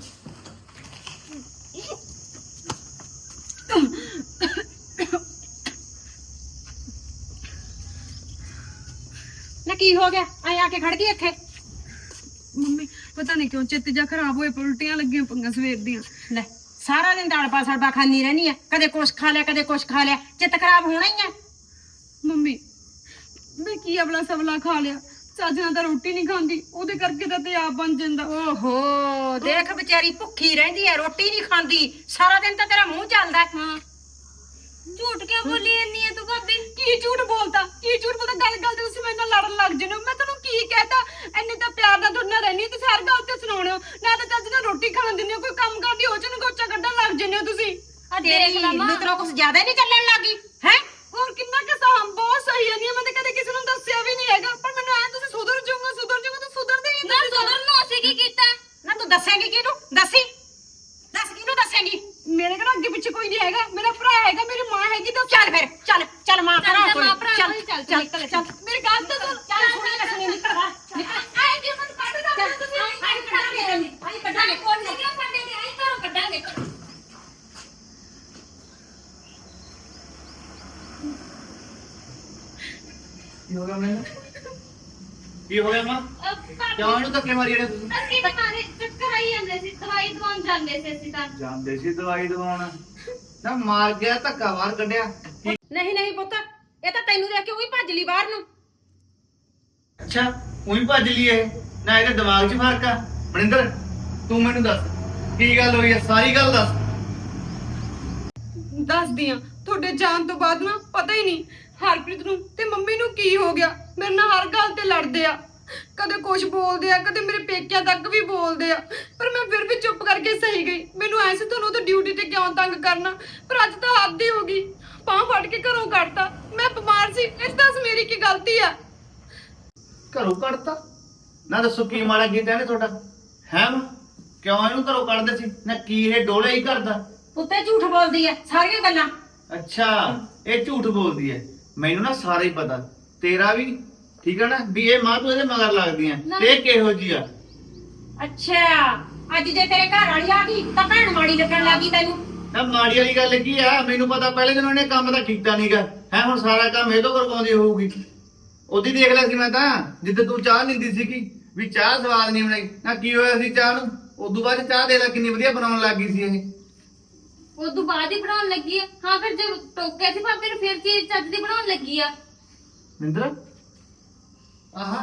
Speaker 1: ਨਾ ਕੀ ਹੋ ਗਿਆ, ਆਏ ਆ ਕੇ ਖੜ ਗਈ ਇੱਥੇ।
Speaker 2: ਮੰਮੀ ਪਤਾ ਨਹੀਂ ਕਿਉਂ ਚਿੱਤ ਜਾ ਖਰਾਬ ਹੋਏ, ਉਲਟੀਆਂ ਲੱਗੀਆਂ ਪਈਆਂ ਸਵੇਰ ਦੀਆਂ।
Speaker 1: ਲੈ ਸਾਰਾ ਦਿਨ ਦਾਲ ਪਾ ਸੜਬਾ ਖਾਂਦੀ ਰਹਿਣੀ ਆ, ਕਦੇ ਕੁਛ ਖਾ ਲਿਆ ਕਦੇ ਕੁਛ ਖਾ ਲਿਆ, ਚਿੱਤ ਖਰਾਬ ਹੋਣਾ ਹੀ ਆ।
Speaker 2: ਮੰਮੀ ਮੈਂ ਕੀ ਅਬਲਾ ਸਬਲਾ ਖਾ ਲਿਆ, ਚੱਜ ਨਾਲ ਤਾਂ ਰੋਟੀ ਨਹੀਂ ਖਾਂਦੀ, ਉਹਦੇ ਕਰਕੇ ਤਾਂ ਤੇਜ਼ਾਬ ਬਣ ਜਾਂਦਾ।
Speaker 1: ਓਹੋ ਦੇਖ ਵਿਚਾਰੀ ਭੁੱਖੀ ਰਹਿੰਦੀ ਐ, ਰੋਟੀ ਨਹੀਂ ਖਾਂਦੀ, ਸਾਰਾ ਦਿਨ ਤਾਂ ਤੇਰਾ ਮੂੰਹ ਚੱਲਦਾ।
Speaker 2: ਹਾਂ
Speaker 3: ਝੂਠ ਕਿਉਂ ਬੋਲੀ ਇੰਨੀ ਹੈ ਤੂੰ ਭਾਬੀ?
Speaker 2: ਕੀ ਝੂਠ ਬੋਲਦਾ, ਕੀ ਝੂਠ ਬੋਲਦਾ? ਗੱਲ ਗੱਲ ਤੇ ਤੁਸੀਂ ਮੇਰੇ ਨਾਲ ਲੜਨ ਲੱਗ ਜਨੇ ਹੋ। ਮੈਂ ਤੁਹਾਨੂੰ ਕੀ ਕਹਿਤਾ, ਇੰਨੇ ਤਾਂ ਪਿਆਰ ਨਾਲ ਤੁਹਾਡੇ ਨਾਲ ਰਹਿਣੀ ਤੇ ਹਰ ਗੱਲ ਤੇ ਸੁਣਾਉਣੇ ਹੋ, ਨਾ ਤਾਂ ਚੱਜ ਨਾਲ ਰੋਟੀ ਖਾਣ ਦਿੰਦੇ ਹੋ, ਕੋਈ ਕੰਮ ਕਰਦੀ ਹੋ ਚ ਗੋਚਾ ਕੱਢਣ ਲੱਗ ਜਨੇ ਹੋ ਤੁਸੀਂ।
Speaker 3: ਆ
Speaker 1: ਤੇਰੀ
Speaker 3: ਦੇਖ ਲਾ ਮਾਂ,
Speaker 1: ਮਿੱਤਰੋਂ ਕੁਛ ਜ਼ਿਆਦਾ ਨਹੀਂ ਚੱਲਣ ਲੱਗੀ ਹੈ।
Speaker 2: ਹੋਰ ਕਿੰਨਾ ਕਿ ਸਾਮ ਬਹੁਤ ਸਹੀ ਨਹੀਂ, ਮੈਂ ਤਾਂ ਕਦੇ ਕਿਸੇ ਨੂੰ ਦੱਸਿਆ ਵੀ ਨਹੀਂ ਹੈਗਾ, ਪਰ ਮੈਨੂੰ ਐ ਤੁਸੀਂ ਸੁਧਰ ਜਾਓਗੇ ਸੁਧਰ ਜਾਓਗੇ, ਤੂੰ ਸੁਧਰਦੇ ਹੀ
Speaker 3: ਨਾ
Speaker 2: ਨਹੀਂ।
Speaker 3: ਸੁਧਰਨ ਨੂੰ ਅਸੀਂ ਕੀ ਕੀਤਾ?
Speaker 1: ਨਾ ਤੂੰ ਦੱਸੇਂਗੀ ਕਿਹਨੂੰ? ਦੱਸੀ ਦੱਸ ਕਿਹਨੂੰ ਦੱਸੇਂਗੀ?
Speaker 2: ਮੇਰੇ ਕਿਹੜਾ ਅੱਗੇ ਪਿੱਛੇ ਕੋਈ ਨਹੀਂ ਹੈਗਾ, ਮੇਰਾ ਭਰਾ ਹੈਗਾ, ਮੇਰੀ ਮਾਂ ਹੈਗੀ, ਤਾਂ
Speaker 1: ਚੱਲ ਫਿਰ ਚੱਲ ਚੱਲ ਮਾਂ ਭਰਾ
Speaker 3: ਚੱਲ
Speaker 1: ਕੋਲ
Speaker 3: ਮਾਂ ਭਰਾ
Speaker 1: ਚੱਲ
Speaker 3: ਕੋਲ ਚੱਲ,
Speaker 1: ਚੱਲ
Speaker 3: ਨਿਕਲ,
Speaker 1: ਚੱਲ
Speaker 2: ਮੇਰੀ ਗੱਲ ਤਾਂ ਸੁਣ।
Speaker 1: ਚੱਲ ਸੁਣੀ ਨਾ ਸੁਣੀ ਨਿਕਲ ਬਾਹਰ ਨਿਕਲ।
Speaker 3: ਆਏ ਜੀ ਮਨ ਕੱਢ ਦਾਂਗੇ ਤੁਸੀਂ, ਆਏ ਕੱਢਾਂਗੇ,
Speaker 1: ਆਈ ਕੱਢਾਂਗੇ
Speaker 3: ਕੋਲ ਨਹੀਂ ਕਿਉਂ ਕੱਢਾਂਗੇ, ਆਏ ਘਰੋਂ ਕੱਢਾਂਗੇ।
Speaker 4: ਕੀ ਹੋ ਗਿਆ ਮੈਨੂੰ?
Speaker 5: ਕੀ ਹੋ ਗਿਆ ਮਾਂ ਕਿਉਂ ਇਹਨੂੰ ਧੱਕੇ ਮਾਰੀ ਜਿਹੜੇ ਤੁਸੀਂ
Speaker 3: ਅਸੀਂ ਤਾਂ ਮਾਰੇ ਚੱਕਰ ਆਈ ਜਾਂਦੇ ਸੀ ਦਵਾਈ ਦਵਾਉਣ ਜਾਂਦੇ ਸੀ ਅਸੀਂ ਤਾਂ
Speaker 5: ਜਾਂਦੇ ਸੀ ਦਵਾਈ ਦਵਾਉਣ ਨਾ ਮਾਰ ਗਿਆ ਧੱਕਾ ਬਾਹਰ ਕੱਢਿਆ ਕੀ
Speaker 1: ਨਹੀਂ ਨਹੀਂ ਪੁੱਤ ਇਹ ਤਾਂ ਤੈਨੂੰ ਦੇਖ ਕੇ ਉਹੀ ਭੱਜ ਲਈ ਬਾਹਰ ਨੂੰ।
Speaker 5: ਅੱਛਾ ਉਹੀ ਭੱਜ ਲਈ ਇਹ ਨਾ ਇਹਦੇ ਦਿਮਾਗ 'ਚ ਫਰਕ ਆ ਮਨਿੰਦਰ ਤੂੰ ਮੈਨੂੰ ਦੱਸ ਕੀ ਗੱਲ ਹੋਈ ਹੈ ਸਾਰੀ ਗੱਲ ਦੱਸ
Speaker 2: ਦੱਸਦੀ ਆ ਤੁਹਾਡੇ ਜਾਣ ਤੋਂ ਬਾਅਦ ਨਾ ਪਤਾ ਹੀ ਨਹੀਂ ਹਰਪ੍ਰੀਤ ਨੂੰ ਤੇ ਮੰਮੀ ਨੂੰ ਕੀ ਹੋ ਗਿਆ। ਮੇਰੇ ਨਾਲ ਹਰ ਗੱਲ ਤੇ ਲੜਦੇ ਆ, ਕਦੇ ਕੁਝ ਬੋਲਦੇ ਆ, ਕਦੇ ਮੇਰੇ ਪੇਕਿਆਂ ਤੱਕ ਵੀ ਬੋਲਦੇ ਆ, ਪਰ ਮੈਂ ਫਿਰ ਵੀ ਚੁੱਪ ਕਰਕੇ ਸਹੀ ਗਈ। ਮੈਨੂੰ ਐ ਸੀ ਤੁਹਾਨੂੰ ਤਾਂ ਡਿਊਟੀ ਤੇ ਕਿਉਂ ਤੰਗ ਕਰਨਾ, ਪਰ ਅੱਜ ਤਾਂ ਹੱਦ ਹੀ ਹੋ ਗਈ। ਬਾਂਹ ਫੜ ਕੇ ਘਰੋਂ ਕੱਢਤਾ, ਮੈਂ ਬਿਮਾਰ ਸੀ, ਇਸ ਦੱਸ ਮੇਰੀ ਕੀ ਗਲਤੀ ਆ।
Speaker 5: ਘਰੋਂ ਕੱਢਤਾ ਨਾ ਦੱਸੋ ਕੀ ਮਾੜਾ ਕੀਤਾ ਇਹਨੇ ਤੁਹਾਡਾ ਹੈ ਮਾਂ ਕਿਉਂ ਇਹਨੂੰ ਘਰੋਂ ਕੱਢਦੇ ਸੀ ਨਾ ਕੀ ਇਹ ਡੋਲੇ ਹੀ ਕਰਦਾ
Speaker 1: ਉੱਤੇ ਝੂਠ ਬੋਲਦੀ ਐ ਸਾਰੀਆਂ ਗੱਲਾਂ।
Speaker 5: ਅੱਛਾ ਇਹ ਝੂਠ ਬੋਲਦੀ ਹੈ ਮੈਨੂੰ ਨਾ ਸਾਰਾ ਹੀ ਪਤਾ ਤੇਰਾ ਵੀ ਠੀਕ ਹੈ ਨਾ ਵੀ ਇਹ ਮਾਂ ਤੂੰ ਇਹਦੇ ਮਗਰ ਲੱਗਦੀ ਆ ਤੇ ਇਹ ਕਿਹੋ ਜੀ ਆ।
Speaker 1: ਅੱਛਾ ਅੱਜ ਜੇ ਤੇਰੇ ਘਰ ਵਾਲੀ ਆ ਗਈ ਤਾਂ ਭੈਣ ਮਾੜੀ ਲੱਗਣ ਲੱਗੀ ਤੈਨੂੰ।
Speaker 5: ਨਾ ਮਾੜੀ ਵਾਲੀ ਗੱਲ ਕੀ ਆ ਮੈਨੂੰ ਪਤਾ ਪਹਿਲੇ ਦਿਨ ਉਹਨੇ ਕੰਮ ਤਾਂ ਕੀਤਾ ਨਹੀਂਗਾ ਹੈ ਹੁਣ ਸਾਰਾ ਕੰਮ ਇਹ ਤੋਂ ਕਰਵਾਉਂਦੀ ਹੋਊਗੀ। ਉਹਦੀ ਦੇਖ ਲਿਆ ਸੀ ਮੈਂ ਤਾਂ ਜਿੱਦ ਤੂੰ ਚਾਹ ਨਿੰਦੀ ਸੀਗੀ ਵੀ ਚਾਹ ਸਵਾਦ ਨਹੀਂ ਬਣਾਈ ਨਾ ਕੀ ਹੋਇਆ ਸੀ ਚਾਹ ਨੂੰ ਉਦੋਂ ਬਾਅਦ ਚਾਹ ਦੇ ਲੈ ਕਿੰਨੀ ਵਧੀਆ ਬਣਾਉਣ ਲੱਗ ਗਈ ਸੀ ਇਹ
Speaker 3: ਉਦੋਂ ਬਾਅਦ ਹੀ ਬਣਾਉਣ ਲੱਗੀ ਆ। ਹਾਂ ਫਿਰ ਜੇ ਟੋਕਿਆ ਸੀ ਭਾਬੀ ਨੂੰ ਫਿਰ ਚੀਜ਼ ਚੱਜ ਦੀ ਬਣਾਉਣ ਲੱਗੀ ਆ।
Speaker 5: ਮਿੰਦਰ ਆਹਾ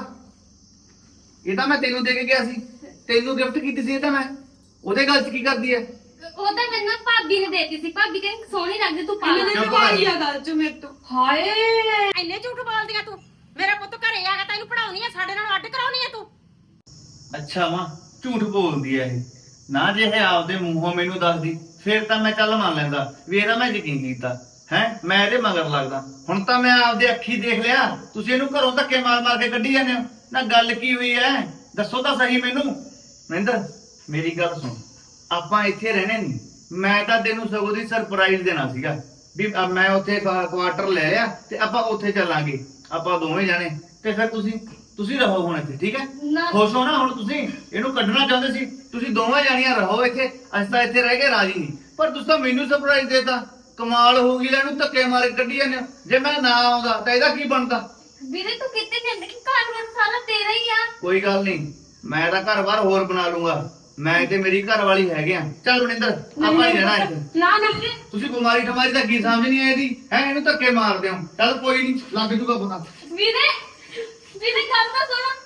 Speaker 5: ਇਹ ਤਾਂ ਮੈਂ ਤੈਨੂੰ ਦੇ ਕੇ ਗਿਆ ਸੀ ਤੈਨੂੰ ਗਿਫਟ ਕੀਤੀ ਸੀ ਇਹ ਤਾਂ ਮੈਂ ਉਹਦੇ ਗੱਲ 'ਚ ਕੀ ਕਰਦੀ ਐ
Speaker 3: ਉਹ ਤਾਂ ਮੈਨੂੰ ਭਾਬੀ ਨੇ ਦੇਤੀ ਸੀ। ਭਾਬੀ ਕਹਿੰਦੀ ਸੋਹਣੀ ਲੱਗਦੀ ਤੂੰ ਪਾ ਲੈ।
Speaker 2: ਇਹਨਾਂ ਨੇ ਲਵਾਈ ਆ ਗੱਲ ਚ ਮੇਰੇ ਤੋਂ।
Speaker 1: ਹਾਏ ਇੰਨੇ ਝੂਠ ਬੋਲਦੀਆਂ ਤੂੰ। ਮੇਰਾ ਪੁੱਤ ਘਰੇ ਆ ਗਿਆ ਤੈਨੂੰ ਪੜਾਉਣੀ ਆ ਸਾਡੇ ਨਾਲ ਅੱਡ ਕਰਾਉਣੀ ਆ ਤੂੰ।
Speaker 5: ਅੱਛਾ ਮਾਂ ਝੂਠ ਬੋਲਦੀ ਐ ਇਹ ਨਾ ਜੇ ਇਹ ਆਪਦੇ ਮੂੰਹੋਂ ਮੈਨੂੰ ਦੱਸਦੀ ਫਿਰ ਤਾਂ ਮੈਂ ਚੱਲ ਮੰਨ ਲੈਂਦਾ ਵੀ ਇਹਦਾ ਮੈਂ ਯਕੀਨ ਕੀਤਾ ਹੈ ਮੈਂ ਇਹਦੇ ਮਗਰ ਲੱਗਦਾ। ਹੁਣ ਤਾਂ ਮੈਂ ਆਪਦੇ ਅੱਖੀ ਦੇਖ ਲਿਆ ਤੁਸੀਂ ਇਹਨੂੰ ਘਰੋਂ ਧੱਕੇ ਮਾਰ ਮਾਰ ਕੇ ਕੱਢੀ ਜਾਂਦੇ ਹੋ ਨਾ ਗੱਲ ਕੀ ਹੋਈ ਐ ਦੱਸੋ ਤਾਂ ਸਹੀ ਮੈਨੂੰ। ਮਹਿੰਦਰ ਮੇਰੀ ਗੱਲ ਸੁਣ ਆਪਾਂ ਇੱਥੇ ਰਹਿਣੇ ਨਹੀਂ ਮੈਂ ਤਾਂ ਤੈਨੂੰ ਸਗੋਂ ਦੀ ਸਰਪ੍ਰਾਈਜ਼ ਦੇਣਾ ਸੀਗਾ ਵੀ ਅ- ਮੈਂ ਉੱਥੇ ਕੁਆਟਰ ਲੈ ਆ ਤੇ ਆਪਾਂ ਉੱਥੇ ਚੱਲਾਂਗੇ ਆਪਾਂ ਦੋਵੇਂ ਜਾਣੇ ਤੇ ਫਿਰ ਤੁਸੀਂ ਤੁਸੀਂ ਰਹੋ ਹੁਣ ਇੱਥੇ ਠੀਕ ਹੈ
Speaker 3: ਨਾ
Speaker 5: ਖੁਸ਼ ਹੋ ਨਾ ਹੁਣ ਤੁਸੀਂ ਇਹਨੂੰ ਕੱਢਣਾ ਚਾਹੁੰਦੇ ਸੀ ਤੁਸੀਂ ਦੋਵੇਂ ਜਾਣੀਆਂ ਰਹੋ ਇੱਥੇ ਅਸੀਂ ਤਾਂ ਇੱਥੇ ਰਹਿ ਕੇ ਰਾਜੀ ਨਹੀਂ ਪਰ ਤੁਸੀਂ ਤਾਂ ਮੈਨੂੰ ਸਰਪ੍ਰਾਈਜ਼ ਦੇਤਾ ਕਮਾਲ ਹੋ ਗਈ ਲੈ ਇਹਨੂੰ ਧੱਕੇ ਮਾਰੇ ਕੱਢੀ ਜਾਂਦੇ ਹੋ। ਜੇ ਮੈਂ ਨਾ ਆਉਂਦਾ ਤਾਂ ਇਹਦਾ ਕੀ ਬਣਦਾ।
Speaker 3: ਵੀਰੇ ਤੂੰ ਕਿੱਥੇ ਜਾਂਦੇ ਕਿ ਘਰ ਵਾਰ ਸਾਰਾ ਤੇਰਾ ਹੀ ਆ।
Speaker 5: ਕੋਈ ਗੱਲ ਨਹੀਂ ਮੈਂ ਤਾਂ ਘਰ-ਬਾਰ ਹੋਰ ਬਣਾ ਲੂੰਗਾ ਮੈਂ ਤੇ ਮੇਰੀ ਘਰ ਵਾਲੀ ਹੈਗੇ ਆ। ਚੱਲ ਮਨਿੰਦਰ ਆਪਾਂ ਨਹੀਂ ਰਹਿਣਾ ਇੱਥੇ
Speaker 1: ਨਾ ਨਾ
Speaker 5: ਤੁਸੀਂ ਬਿਮਾਰੀ ਠਮਾਰੀ ਦਾ ਕੀ ਸਮਝਣੀ ਹੈ ਇਹਦੀ ਹੈ ਇਹਨੂੰ ਧੱਕੇ ਮਾਰਦੇ ਹੋ ਚੱਲ ਕੋਈ ਨਹੀਂ ਲੱਗ ਜੂਗਾ ਪਤਾ।
Speaker 3: ਵੀਰੇ ਵੀਰੇ ਗੱਲ ਤਾਂ ਸੁਣ